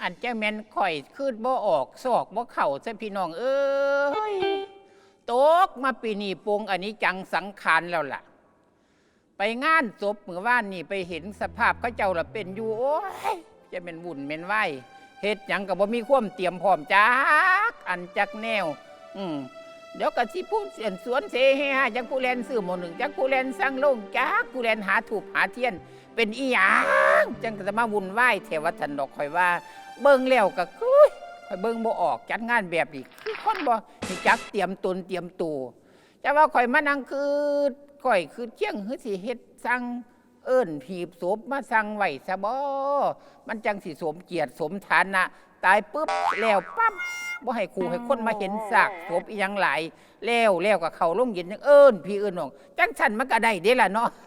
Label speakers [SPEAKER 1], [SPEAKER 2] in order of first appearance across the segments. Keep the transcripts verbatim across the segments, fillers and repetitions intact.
[SPEAKER 1] อันเจ้าแม่นข่อยคืดบ่ออกซอกบ่เข่าซะพี่น้องเอ้ยตกมาปีนี้ปงอันนี้จังสังขารแล้วล่ะไปงานศพเมื่อวานนี่ไปเห็นสภาพเขาเจ้าละเป็นอยู่โอ้ยจะเป็นวุ่นเป็นไหวเฮ็ดหยังก็บ่มีความเตรียมพร้อมจักอันจักแนวอืมเดี๋ยวก็สิผู้เสียนสวนเสเฮฮาจักผู้แลนซื้อหมอหนึ่งจักผู้แลนสร้างโรงจักผู้แลนหาถูกหาเทียนเป็นอีหยังจังจะมาวุ่นวายเทวทันดอกคอยว่าเบิ่งแล้วก็คือคอยเบิ่งบ่ออกจัดงานแบบนี้คือคนบ่มีจักเตรียมตนเตรียมตัวแต่ว่าคอยมานั่งคือข่อยคือเที่ยงคือสิเฮ็ดสั่งเอิ้นผีบศพมาสั่งไว้ซะบ่มันจังสิสมเกียรติสมฐานะตายปุ๊บแล้วปั๊บบ่ให้ครูให้คนมาเห็นซากศพอีหยังหลายแล้วแล้วก็เข้าโรงเย็นจังเอิ้นพี่เอิ้นน้องจังซั่นมันก็ได้เด้ล่ะเนาะ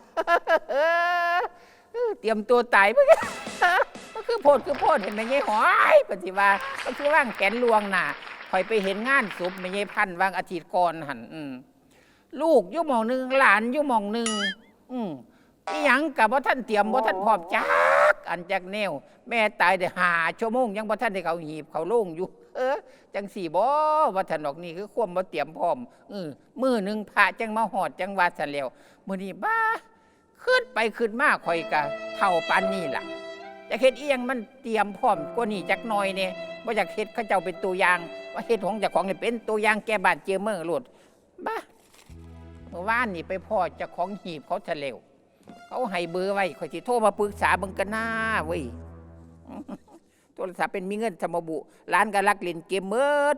[SPEAKER 1] เตรียมตัวตายเพื่อก็คือโพดคือโพดเห็นไหมยายหอยปฏิว่าก็คือว่างแขนลวงน่ะคอยไปเห็นงานศพแม่ยายพันวางอาทิตย์ก่อนหันลูกอยู่หม่องหนึ่งหลานอยู่หม่องหนึ่งอืมอีหยังกับว่าท่านเตรียมว่าท่านพร้อมจักอันจากแนวแม่ตายได้หาชั่วโมงยังว่าท่านได้เขาหีบเขาโล่งอยู่เออจังสี่บ่ว่าท่านดอกนี่คือความว่าเตรียมพร้อมเออมือหนึ่งพระจังมาหอดจังว่าสันแล้วมื้อนี้บ้าขึ้นไปขึ้นมาคอยกะเท่าปานนี่ล่ะจะเฮ็ดอีหยังมันเตรียมพร้อมกว่านี้จักหน่อยเนี่ยว่าอยากเฮ็ดเขาเจ้าเป็นตัวอย่างว่าเฮ็ดของเจ้าของนี่เป็นตัวอย่างแก่บ้านเจอเมืองโลดบ้าเมื่อวานนี่ไปพ่อเจ้าของหีบเขาทะเลวเขาให้เบอร์ไว้คอยสิโทรมาปรึกษาเบิ่งกันหน้าเว้ยโทรศัพท์เป็นมีเงินสมบุร้านก็รักเล่นเกมเมิด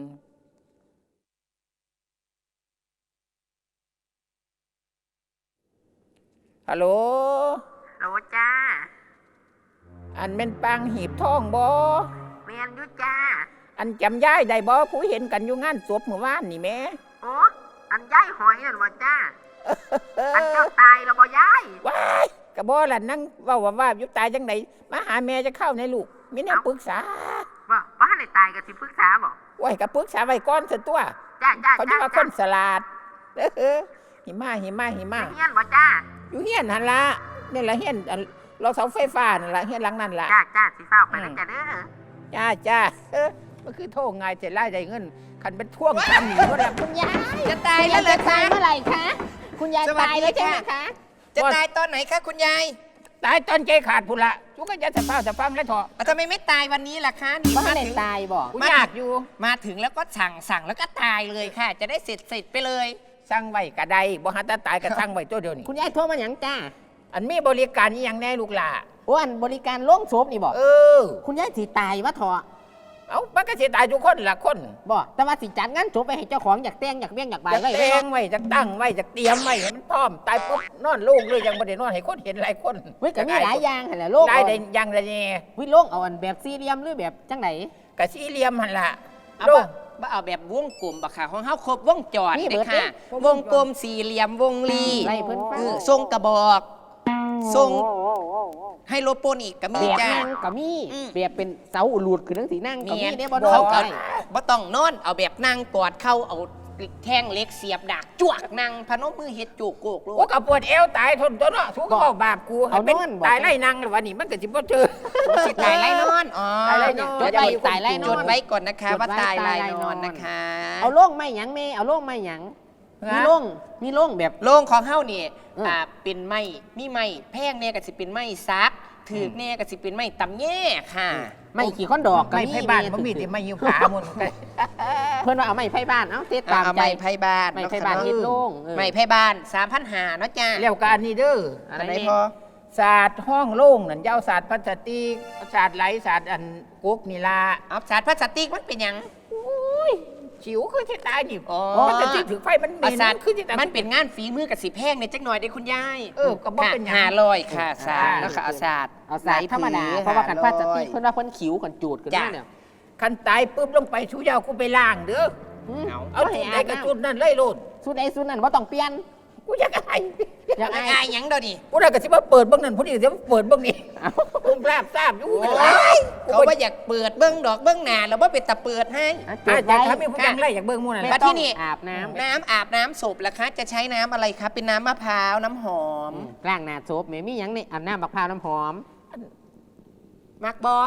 [SPEAKER 1] ฮัลโหล
[SPEAKER 2] โหลจ้า
[SPEAKER 1] อันเป็นปังหีบทองบ่
[SPEAKER 2] เมียนยุจ้า
[SPEAKER 1] อันจำย้ายได้บ่ผู้เห็นกันอยู่งานศพเมื่อวานนี่แม่
[SPEAKER 2] โอ้อันย้ายหอยนั่นบ่จ้าอันเจ้าตายแล้วบ่ย้าย
[SPEAKER 1] ว้ายกะบ่ล่ะนั่งเว้าว่าอยู่ตายจังไดมาหาแม่จะเข้าในลูกมีแนวปรึกษา
[SPEAKER 2] ว่าบ่ทันได้ตายก็สิปรึกษาบ่
[SPEAKER 1] โอ้ยก็ปรึกษาไว้ก่อนซะตัว
[SPEAKER 2] จ้าจ้า
[SPEAKER 1] เขาจะว่าคนสลาดเออหิมะหิมะหิมะ
[SPEAKER 2] เฮียนบ่จ้า
[SPEAKER 1] อยู่เฮียนหั่นล่ะนี่ล่ะเฮียนเราเสาไฟฟ้านั่นล่ะเฮียนหลังนั่นล่ะ
[SPEAKER 2] จ้าจ้าสิเฝ้าไปแล้วจ้าเด้อ
[SPEAKER 1] จ้าจ้าเออมันคือโทษง่ายจะไล่ได้เงินคันเป็นท่วงทำอยู่แล้ว
[SPEAKER 3] คุณยาย
[SPEAKER 2] จะตายแล้วเหรอคะ
[SPEAKER 3] เมื่อไหร่คะคุณยายตายแล้วใช่ไหมคะ
[SPEAKER 2] จะตายตอนไหนคะคุณยาย
[SPEAKER 1] ตายตอนใจขาดพุ่นละทุกคนจะสะพ้าสะพังแล้วเถอะ
[SPEAKER 2] ทำไมไม่ตายวันนี้ล่ะคะนี่
[SPEAKER 3] มาถึงตายบอก
[SPEAKER 1] ยากอยู่
[SPEAKER 2] มาถึงแล้วก็สั่งสั่งแล้วก็ตายเลยค่ะจะได้เสร็จเสร็จไปเลย
[SPEAKER 1] สั่งไว้กระไดบ่ฮัตตายกระสั่งไว้ตัวเดียวนี่
[SPEAKER 3] คุณยายโทรมาอย่างจ้า
[SPEAKER 1] อันมีบริการอีหยังแน่ลูกหล่ะ
[SPEAKER 3] โอ้อันบริการโล่งศพนี่บอก
[SPEAKER 1] เออ
[SPEAKER 3] คุณยายสิตายวะเถอะ
[SPEAKER 1] เอ้ามันก็สิตายทุกคนล่ะคน
[SPEAKER 3] บอกแต่ว่าสิจัดงานศพไปให้เจ้าของอยากแต่งอยากเบี้ยงอยากบาย
[SPEAKER 1] ไว้แต่งไว้จะตั้งไว้จะเตรียมไว้ให้มันพร้อมตายปุ๊บนอนโล่งเลยยังบ่ได้นอนให้คนเห็นหลายคน
[SPEAKER 3] เฮ้ยก็มีหลายอย่างหั่นแหละโล่ง
[SPEAKER 1] หลายได้ยังละนี่
[SPEAKER 3] วิโล่งเอาอันแบบสี่เหลี่ยมหรือแบบจังไหน
[SPEAKER 1] ก็สี่เหลี่ยมหั่นล่ะ
[SPEAKER 2] โล่งบ่เอาแบบวงกลมบ่ค่ะของเฮาครบวงจรเด้ค่ะวงกลมสี่เหลี่ยมวงรี
[SPEAKER 3] ไล่เพิ่นฟัง
[SPEAKER 2] ทรงกระบอกทรงให้โลโปนอีกก็มี
[SPEAKER 3] จ้าก็มีแบบเป็นเสาอุลูดคือทั้งสีนั่งก็มีเนี่ยบ่
[SPEAKER 2] นอนบ่ต้องนอนเอาแบบนั่งกอดเข้าเอาแท่งเล็กเสียบดากจวกนั่งพนมมือเฮ็ดจูกโกกโล
[SPEAKER 1] กก็ปวดเอวตายทนตัวเนาะทุกข์บาปกูเอาเป็นตายไล่นั่งวันนี้มันก็สิบ่เจอ
[SPEAKER 2] สิตายไล่นอนอ๋อ
[SPEAKER 1] ตายไล่นอน
[SPEAKER 3] จดไว้ตายไล่นอน
[SPEAKER 2] จดไว้ก่อนนะคะว่าตายไล่นอนนะคะ
[SPEAKER 3] เอาโล่งไม่หยังแม่เอาโล่งไม่หยังมีโล่งมีโล่งแบบ
[SPEAKER 2] โล่งของเฮานี่อ่าเป็นไม้มีไม้แพงแน่ก็สิเป็นไม้ซักถือแน่ก็สิเป็นไม้ตำแย่ค่ะ
[SPEAKER 3] ไม้ขี่ข้อนดอก
[SPEAKER 1] ไม้ไผ่บ้านบ่มีแต่ไม้ยิวขาหมด
[SPEAKER 3] เพิ่นว่าเอาไม้ไผ่บ้านเอ้าเทศตามใจ
[SPEAKER 2] ไม้ไผ่บ้าน
[SPEAKER 3] ไม้ไผ่บ้านเฮ็ดโล่ง
[SPEAKER 2] ไม้ไผ่บ้าน สามพันห้าร้อย เนาะจ้า
[SPEAKER 1] แล้วก็อันนี้เด้อ
[SPEAKER 2] อะไรพอ
[SPEAKER 1] ศาสตร์ห้องโล่งนั่นยาวศาสตร์พลาสติกศาสตร์ไหลศาสตร์อันกุ๊กนี่ล่ะ
[SPEAKER 2] เอาศาสตร์พลาสติกมันเป็นหยัง
[SPEAKER 1] ฉิวคือที่ตายนี่มันจะที่ถือไฟมันเหม็น
[SPEAKER 2] คือที่ตายมันเป็นงานฝีมือกับสีแพงในจักหน่อยได้คุณยาย
[SPEAKER 1] เออก็บอกเป็น
[SPEAKER 2] ห้าร้อยค่ะศาสตร์แล้วก็เอาศาสตร์
[SPEAKER 3] เอาศาสตร์ธรรมดาเพราะว่ากันพลาสติกเพิ่นว่าเพิ่นขิวกันจูดกันด้วยเนี่ย
[SPEAKER 1] คันตายปุ๊บลงไปชูยาวกูไปล้างเด้อเอาจุดไหนกับจุดนั้นเลยโลด
[SPEAKER 3] จุดไหนจุดนั้นว่าต้องเปลี่ยน
[SPEAKER 1] กูอยากอาย
[SPEAKER 2] อยากอายหยังเด้อนี่
[SPEAKER 1] กูได้ก็สิมาเปิดเบิ่งนั่นผู้นี้สิมาเปิดเบิ่งนี่ผมทราบทราบอยู่
[SPEAKER 2] เขาว่าอยากเปิดเบิ่งดอกเบิ่งหน้าแล้วว่าเป็นตะเปิดให้
[SPEAKER 1] อาจารย์ถ้ามีผู้จังไรอยากเบิ่งมู่นั่น
[SPEAKER 2] แล้วที่นี่
[SPEAKER 3] อาบน้ำ
[SPEAKER 2] น้ำอาบน้ำศพล่ะคะจะใช้น้ำอะไรคะเป็นน้ำมะพร้าวน้ำหอม
[SPEAKER 3] ล้างหน้าศพแม่มีหยังนี่อาบน้ำมะพร้าวน้ำหอม
[SPEAKER 2] มักบอ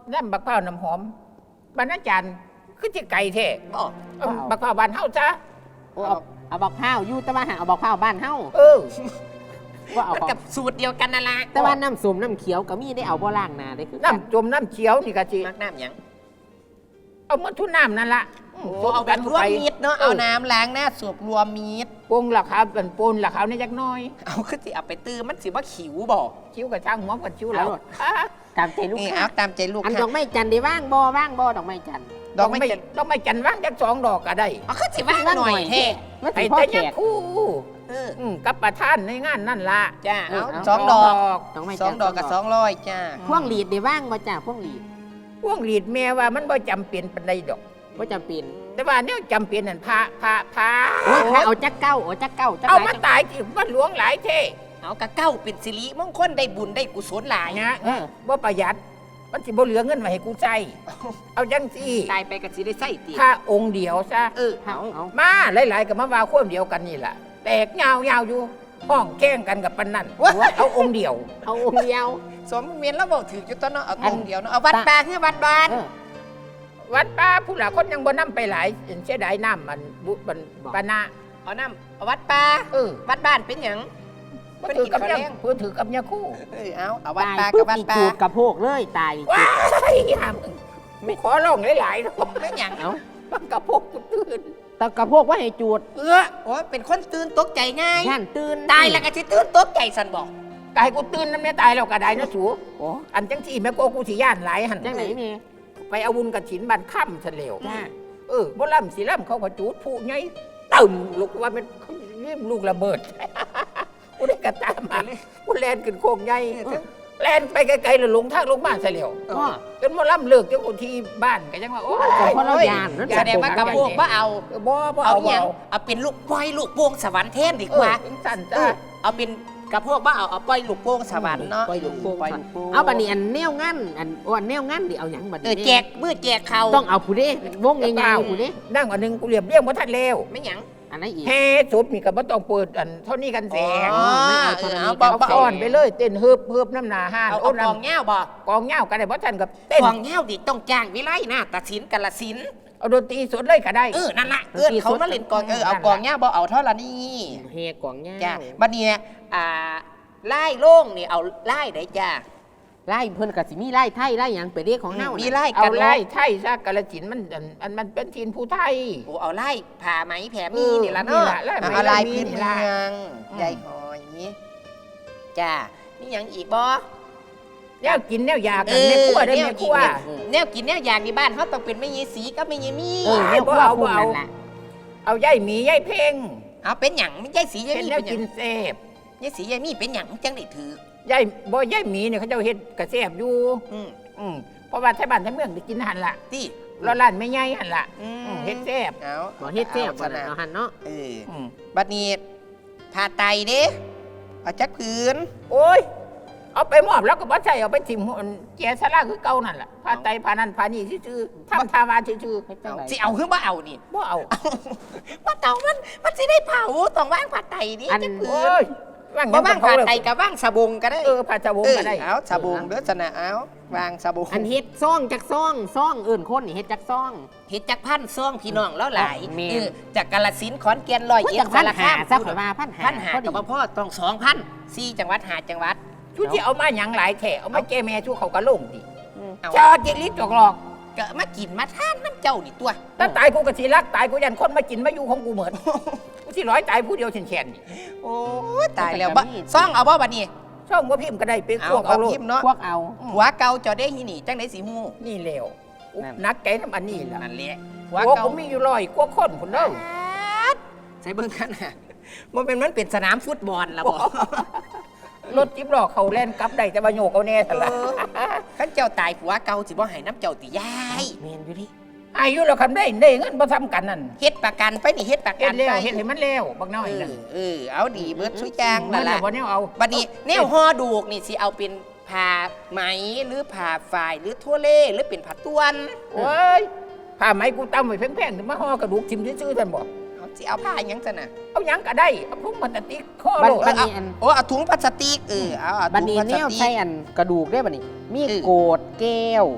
[SPEAKER 1] น้ำบักพร้าวน้ำหอมบรรณาจารย์คือจิไก่แท้
[SPEAKER 2] บ่
[SPEAKER 1] เอาบักพร้าวบ้านเฮาจ้ะ
[SPEAKER 3] โอ้เอาเอาบักพร้าวอยู่แต่ว่าหาเอาบักพร้าวบ้านเฮา
[SPEAKER 1] เออ
[SPEAKER 3] ว่าเอา
[SPEAKER 2] มัน
[SPEAKER 3] ของ
[SPEAKER 2] กับสูตรเดียวกันนั่นล่ะ
[SPEAKER 3] แต่ว่าน้ำส้มน้ำเขียวก็มีได้เอาบ่ล้างหน้าได้คือกัน
[SPEAKER 1] น้ำจมน้ำเขียวนี่ก็สิ
[SPEAKER 2] มักน้ำหยัง
[SPEAKER 1] เอามาทุนน้ำนั่นละอืม
[SPEAKER 2] โอ้เอาแบบรวมมิตรเนาะ
[SPEAKER 1] เออ
[SPEAKER 2] เอาน้ำล้างหน้าสูบรวมมิตร
[SPEAKER 1] ปรุงราคาเป็นปนราคาเนี่ยจักหน้อย
[SPEAKER 2] เอาคือสิเอาไปตื้อมันสิบ่ขิวบ่
[SPEAKER 1] คิ้วกับช่างหัวกับคิ้วเรา
[SPEAKER 3] ตามใจลูก
[SPEAKER 2] นี่
[SPEAKER 3] ค้า
[SPEAKER 2] เอาตามใจลูก
[SPEAKER 3] อันด
[SPEAKER 2] ค้า
[SPEAKER 3] อกไม้จันทร์ได้ว่างบ่ว่างบ่ดอกไม้จันทร์
[SPEAKER 2] ดอกไม้จัน
[SPEAKER 1] ดอกไม้จันทร์ว่างจักสองดอกก็ได้
[SPEAKER 2] เอาคือสิว่างหน่อยแท้
[SPEAKER 3] มัน
[SPEAKER 1] ไอ้
[SPEAKER 3] สิพ่อ
[SPEAKER 1] แต่
[SPEAKER 3] แข
[SPEAKER 1] ยัง
[SPEAKER 3] ก
[SPEAKER 1] คู่
[SPEAKER 2] เออ
[SPEAKER 1] อืมกับประธานในงานนั่นละ
[SPEAKER 2] จ้าเอา
[SPEAKER 3] เอา
[SPEAKER 2] สองดอก
[SPEAKER 3] ดอกไม้
[SPEAKER 2] ส
[SPEAKER 3] จั
[SPEAKER 2] อน ง
[SPEAKER 3] ทร์
[SPEAKER 2] ดอกกับสองร้อยจ้า
[SPEAKER 3] พวงหลีดได้ว่างบ่จ้าพวงหลีด
[SPEAKER 1] พวงหลีดแม่ว่ามันบ่จำเป็นปานใดดอก
[SPEAKER 3] บ่จำเป็น
[SPEAKER 1] แต่ว่าเนี่ยจำเป็นนั่นพระพระพระ
[SPEAKER 3] โอ้ยถ้าเอาจักเก้าเอาจักเก้าจัก
[SPEAKER 1] เอา
[SPEAKER 3] หล
[SPEAKER 1] มาตายที่วัดหลวงหลายเท่
[SPEAKER 2] เอากะเก้าเป็นสิริมงคลได้บุญได้กุศลหลาย
[SPEAKER 1] เนี่ย
[SPEAKER 3] เออ
[SPEAKER 1] บ่ประหยัดมันสิบ่เหลือเงินมาให้กูใช้เอาจังสิ
[SPEAKER 2] ตายไปก็สิได้ใส่ตี
[SPEAKER 1] ถ้าองค์เดียวซะ
[SPEAKER 2] เออ
[SPEAKER 3] เอาเอา
[SPEAKER 1] มาหลายๆกับมาว่าควมเดียวกันนี่แหละแตกยาวยาวๆอยู่ห้องแข่งกันกับปันนั่นเอาองค์เดียว
[SPEAKER 3] เอาองค์เดียว
[SPEAKER 2] สมเมียนแล้วบอกถืออยู่ตอนเนาะเอา
[SPEAKER 3] อั
[SPEAKER 2] อน งค์เดียวเนาะเอาวัดปลาคือวัดบ้าน
[SPEAKER 3] เออ
[SPEAKER 1] วัดป้าผู้หลาคนยังบ่นำไปหลายเห็นเสียดายน้ำมันบุบัน
[SPEAKER 3] บอก
[SPEAKER 1] ปานะ
[SPEAKER 2] เอาน้ำเอาวัดปลา
[SPEAKER 1] เออ
[SPEAKER 2] วัดบ้านเป็นหยัง
[SPEAKER 1] เพื่อถือกับยาเพื่อถือกับยาคู่
[SPEAKER 2] เออเอาเอาวัด
[SPEAKER 3] ตาย
[SPEAKER 2] ปลากั
[SPEAKER 3] ปุ๊
[SPEAKER 2] บบ วัด
[SPEAKER 3] มี
[SPEAKER 2] ปลา
[SPEAKER 3] จูดกระโพกเลยตาย
[SPEAKER 1] ว้ายห้ามไม่ขอร้องหลายๆนะ
[SPEAKER 2] ไม่หยัง
[SPEAKER 3] เอา
[SPEAKER 1] มันกระพกกูตื่น
[SPEAKER 3] แตกระโพกว่าให้จูด
[SPEAKER 1] เออ
[SPEAKER 2] โอ้เป็นคนตื่นตกใจง่าย
[SPEAKER 3] ย่านตื่น
[SPEAKER 2] ตายแล้วก็สิตื่นตกใจสันบอก
[SPEAKER 1] กายกูตื่นนั่นไม่ตายแล้วก็ได้นะสู
[SPEAKER 3] โอ้
[SPEAKER 1] อันจังที่แม่โกกูสิย่านหลายหัน
[SPEAKER 3] จังไหนนี่
[SPEAKER 1] ไปเอาบุญกับฉินบันค่ำเฉลียว
[SPEAKER 3] จ้า
[SPEAKER 1] เออบ่ล่ำสิล่ำเขาก็จูดผู้ไงตึมลูกว่ามันเรียมลูกระเบิด กูได้กระตามมากูแลนขึ้นโคงใหญ่แลนไปไกลๆแล้วลงทางลงบ้านเฉลียว
[SPEAKER 3] พ่อ
[SPEAKER 1] จนมาล่ำเลิกจนกูที่บ้านก็ยังว่าโอ้ย
[SPEAKER 3] แต่พอเรายานนั่น
[SPEAKER 2] แสดงว่ากระโปงว่าเอา
[SPEAKER 1] เออบ่บ่
[SPEAKER 2] เอา
[SPEAKER 1] เอา
[SPEAKER 2] อ
[SPEAKER 1] บ่
[SPEAKER 2] ย่าง
[SPEAKER 1] เอา
[SPEAKER 2] เอาเป็นลูกปล่อยลูกโป่งสวรรค์เทนดี
[SPEAKER 1] เอก อ
[SPEAKER 2] ว่า
[SPEAKER 1] เป็นสั่น
[SPEAKER 2] เอ
[SPEAKER 1] จ้า
[SPEAKER 2] อเอาเป็นกระโพกว่าเอาเอาปล่อยลูกโป่งสวรรค์เนาะ
[SPEAKER 3] ปล่อยลูกโป่ง
[SPEAKER 2] ปล่อยลูกโป่ง
[SPEAKER 3] เอาบัดนี้อันแนวงั้นอันโอ้อันแนวงั้นดิเอาหยังบัด
[SPEAKER 2] เอ
[SPEAKER 3] นี้
[SPEAKER 2] อแจกมือแจกเขา
[SPEAKER 3] ต้องเอาผู้เด้วงใหญ่ๆผู้เด้
[SPEAKER 1] นั่งอันหนึงกูเรียบเรียงบ่ทันแล้ว
[SPEAKER 2] ไม่หยัง
[SPEAKER 3] อันไหนอีก
[SPEAKER 1] แฮ่สุดมีก็บ่ต้องเปิดอันเท่านี้กันแสง
[SPEAKER 2] อ๋อ
[SPEAKER 3] ไม่เอา
[SPEAKER 2] เอ
[SPEAKER 3] ตอน
[SPEAKER 2] อ
[SPEAKER 3] นี้
[SPEAKER 2] เอา
[SPEAKER 3] ก็
[SPEAKER 2] บอก
[SPEAKER 1] เอา
[SPEAKER 2] บอก
[SPEAKER 1] ก้อนไปเลยเต้นเฮิบเฮิบน้ำหนาห้าน
[SPEAKER 2] เอา
[SPEAKER 1] โอ้
[SPEAKER 2] เอากอง
[SPEAKER 1] น้ำ
[SPEAKER 2] เงี้ยวบอก
[SPEAKER 1] กองเหย้าก็ได้บ่ทันกับเต้น
[SPEAKER 2] กองเงี้ยวดิต้องจ้างวิไลหน้าตัดสินกาลสินธุ์
[SPEAKER 1] เอาดนตรีสดเลยก็ได้
[SPEAKER 2] เออนั่นละเออเขามาเล่นกองเออเอากองเงี้ยวบอกเอาเท่าละนี่
[SPEAKER 3] เฮกวางย่า
[SPEAKER 2] จ้าบัดนี้อ่าไล่โล่งนี่เอาไล่ได้จ้า
[SPEAKER 3] ไล่เพิ่นก็สิมีไล่ไทยไล่หยังไปเรียกของเฮา
[SPEAKER 2] มี
[SPEAKER 3] มี
[SPEAKER 2] ไล่
[SPEAKER 1] เอา
[SPEAKER 2] กัน
[SPEAKER 1] ไล่
[SPEAKER 2] เนาะ
[SPEAKER 1] ไทยซะกาลสินธุ์มันอันอันมันเป็นทีนผู้ไทย
[SPEAKER 2] โอ้เอาไล่ผ่าไหมแผ่มี
[SPEAKER 1] เออ
[SPEAKER 2] นี่ละ
[SPEAKER 1] นี่
[SPEAKER 2] เนาะ
[SPEAKER 1] ล่ะไล่ไหม
[SPEAKER 2] เอาไล่
[SPEAKER 1] ไล่มี
[SPEAKER 2] พื้น
[SPEAKER 1] นี่
[SPEAKER 2] เมื
[SPEAKER 1] ล่ะ
[SPEAKER 2] อง
[SPEAKER 1] อืม
[SPEAKER 2] ใหญ่หอยจ้านี่หยังอีกบ่
[SPEAKER 1] แนวกินแนวอยากกันแม่ครัวได้อ
[SPEAKER 2] แน
[SPEAKER 1] แม่
[SPEAKER 2] ว
[SPEAKER 1] ค
[SPEAKER 2] กิ
[SPEAKER 1] รัว
[SPEAKER 2] แนวกินแนวอย่างในบ้านเขาต้องเป็นแม่ยีสีกับแม่ยีมี
[SPEAKER 3] เออแนว
[SPEAKER 1] บ่
[SPEAKER 3] ครัว
[SPEAKER 1] เอา
[SPEAKER 3] พุ่
[SPEAKER 1] บ่
[SPEAKER 3] น
[SPEAKER 1] เอา
[SPEAKER 3] นั่นล่ะ
[SPEAKER 1] เอาย่ายหมีย่ายเพ่ง
[SPEAKER 2] เอาเป็นหยังไม่ใช่สียาย
[SPEAKER 1] เป็น
[SPEAKER 2] มี
[SPEAKER 1] แนว
[SPEAKER 2] เป็นหยั
[SPEAKER 1] กิ
[SPEAKER 2] ง
[SPEAKER 1] นแซ่บ
[SPEAKER 2] ยายสียายมีเป็นหยังจังได้ถือ
[SPEAKER 1] ย่ายบ่ย่ายหมีเนี่ยเขาเจ้าเฮ็ดกระแซ่บอยู่
[SPEAKER 2] อืม
[SPEAKER 1] อืมเพราะว่าไทบ้านไทเมืองได้กินหันล่ะ
[SPEAKER 2] ที่
[SPEAKER 1] แล้วร้านไม่ใหญ่หันล่ะ
[SPEAKER 2] อื
[SPEAKER 1] อื
[SPEAKER 2] ม
[SPEAKER 1] มเฮ็ดแซ่บ
[SPEAKER 2] เอา
[SPEAKER 3] บ่เฮ็ดแซ่บบ่
[SPEAKER 2] อา
[SPEAKER 3] น่ะ
[SPEAKER 2] นะ
[SPEAKER 3] เอาหันเนาะ
[SPEAKER 2] เออ
[SPEAKER 1] อืม
[SPEAKER 2] บัดนี้ผ่าไตเด้เอาจักผืน
[SPEAKER 1] โอ้ย เอาไปมอบแล้วก็บ่ใช่เอาไปถิ่มหัวแกสลาคือเก่านั่นล่ะพาไตพานั่นพานี่ซื่อๆทำทาวาซื่อ
[SPEAKER 3] เฮ็ดจัง
[SPEAKER 2] เอา
[SPEAKER 3] ได
[SPEAKER 2] สิเอาหรือบ่เอานี่
[SPEAKER 1] ๆบ่เอา
[SPEAKER 2] เอาว่าเต่ามันมันสิได้เผาต้องว่างผ่าไตนี่จักผื
[SPEAKER 1] โอ้
[SPEAKER 2] น
[SPEAKER 1] ยว่าง
[SPEAKER 2] บ่
[SPEAKER 1] ยัง
[SPEAKER 2] ว่าง
[SPEAKER 1] เขา
[SPEAKER 2] ผ่า
[SPEAKER 1] เลย
[SPEAKER 2] ไตกับว่างสะบงก็ได้
[SPEAKER 1] เออพาชาวง
[SPEAKER 2] เออ
[SPEAKER 1] ก็ได้
[SPEAKER 2] เอาสะบงเด้อสนะเอาวางสะบง
[SPEAKER 3] อันเฮ็ดซ่องจักซ่องซ่องเอิ้นคนนี่เฮ็ดจักซ่อง
[SPEAKER 2] เฮ็ดจักพันซ่องพี่น้องแล้วหลาย
[SPEAKER 3] แม่น
[SPEAKER 2] เออจากกาฬสินธุ์ขอนแก่นร้อย
[SPEAKER 3] โอ้ย
[SPEAKER 2] เอ็ด
[SPEAKER 3] จักพัน
[SPEAKER 2] สาร
[SPEAKER 3] หา
[SPEAKER 2] คาม
[SPEAKER 3] ซะข่อยว่าพันหา
[SPEAKER 2] พันหา
[SPEAKER 3] พอดี
[SPEAKER 2] กับพ่อต้องสองพันสี่จังหวัดหาจังหวัด
[SPEAKER 1] ชุดที่เอามาหยังหลายแถเอามาแก้แม่ชูเขาก็ลงดิ
[SPEAKER 2] เอา
[SPEAKER 1] ชาจิลิจอกหลอก
[SPEAKER 2] ก็มากินมาทานน้ำเจ้านี่ตัว
[SPEAKER 1] ถ้าตายกูก็สิรักตายกูยันคนมากินมาอยู่ของกูเหมือนกูสิร้อยตายผู้เดียวเฉนๆนี่
[SPEAKER 2] โอ้ยตายแล้วบ่ซ่องเอาบ่บัดนี้
[SPEAKER 1] ช่องว่าพิมพ์ก็ได้เป็น
[SPEAKER 2] เอา
[SPEAKER 1] พวก
[SPEAKER 2] เอา
[SPEAKER 1] เอาโล
[SPEAKER 2] พิ
[SPEAKER 1] ด
[SPEAKER 2] มพ์เนาะ
[SPEAKER 3] พวกเอา
[SPEAKER 2] หัวเก่าเจอได้ที่นี่จังได๋สิฮู้
[SPEAKER 1] นี่แล้ว
[SPEAKER 3] นั่น
[SPEAKER 1] นักใจน้ำอันนี้ล่ะ
[SPEAKER 2] นั่นแหละหัว
[SPEAKER 1] หัว
[SPEAKER 2] เก่า
[SPEAKER 1] ผมมีอยู่ร้อยกว่าคนคนเด้อ
[SPEAKER 2] ใส่เบิ่งกันน่ะบ่เป็นมันเป็นสนามฟุตบอลล่ะบ่
[SPEAKER 1] รถจิ๊บหลอกเขาแล่นกลับได้แต่ว่าโยกเอาแน่สละ
[SPEAKER 2] คันเจ้าตายผัวเก่าสิบ่ให้น้ำเจ้าติยาย
[SPEAKER 3] แม่นอยู่ดิ
[SPEAKER 1] อายุเราคำได้ได้เงินมาทำกันนั่น
[SPEAKER 2] เฮ็ดประกันไปนี่เฮ็ดประ
[SPEAKER 1] เฮ็
[SPEAKER 2] กั
[SPEAKER 1] ด
[SPEAKER 2] น
[SPEAKER 1] แล้ว
[SPEAKER 2] ไป
[SPEAKER 1] เฮ็ดให้มันแล้วบักน้อย
[SPEAKER 2] เอ
[SPEAKER 1] นั่น
[SPEAKER 2] อเออเอาดีเบิดสุอยาง
[SPEAKER 1] มั
[SPEAKER 2] นั่
[SPEAKER 1] น
[SPEAKER 2] น
[SPEAKER 1] แหละ
[SPEAKER 2] ล่ะ
[SPEAKER 1] วันนี้เอา
[SPEAKER 2] บัดนี้แนวห่อดูกนี่สิเอาเป็นผ้าไหมหรือผ้าฝ่ายหรือทั่วเล่หรือเป็นผ้าต้วน
[SPEAKER 1] โอ้ยผ้าไหมกูตำไว้แพงๆถึงมาห่อกระดูกทิมซื่อๆท่านบอก
[SPEAKER 2] เอาสิเอาผ้าหยังซั่นน่ะ
[SPEAKER 1] เอาหยังก็ได้เอาพุ่งมันตะติกข้อ
[SPEAKER 3] บัด
[SPEAKER 1] โลด
[SPEAKER 3] บัดนี้อัน
[SPEAKER 2] โอ้เอาถุงพลาสติกเออเอาเอา
[SPEAKER 3] บัด
[SPEAKER 2] ถุง
[SPEAKER 3] นี้
[SPEAKER 2] พลา
[SPEAKER 3] แน
[SPEAKER 2] ส
[SPEAKER 3] ว
[SPEAKER 2] ติ
[SPEAKER 3] ใส่
[SPEAKER 2] ก
[SPEAKER 3] อันกระดูกได้บัดนี้ มี
[SPEAKER 2] เออ
[SPEAKER 3] โกดแก้ว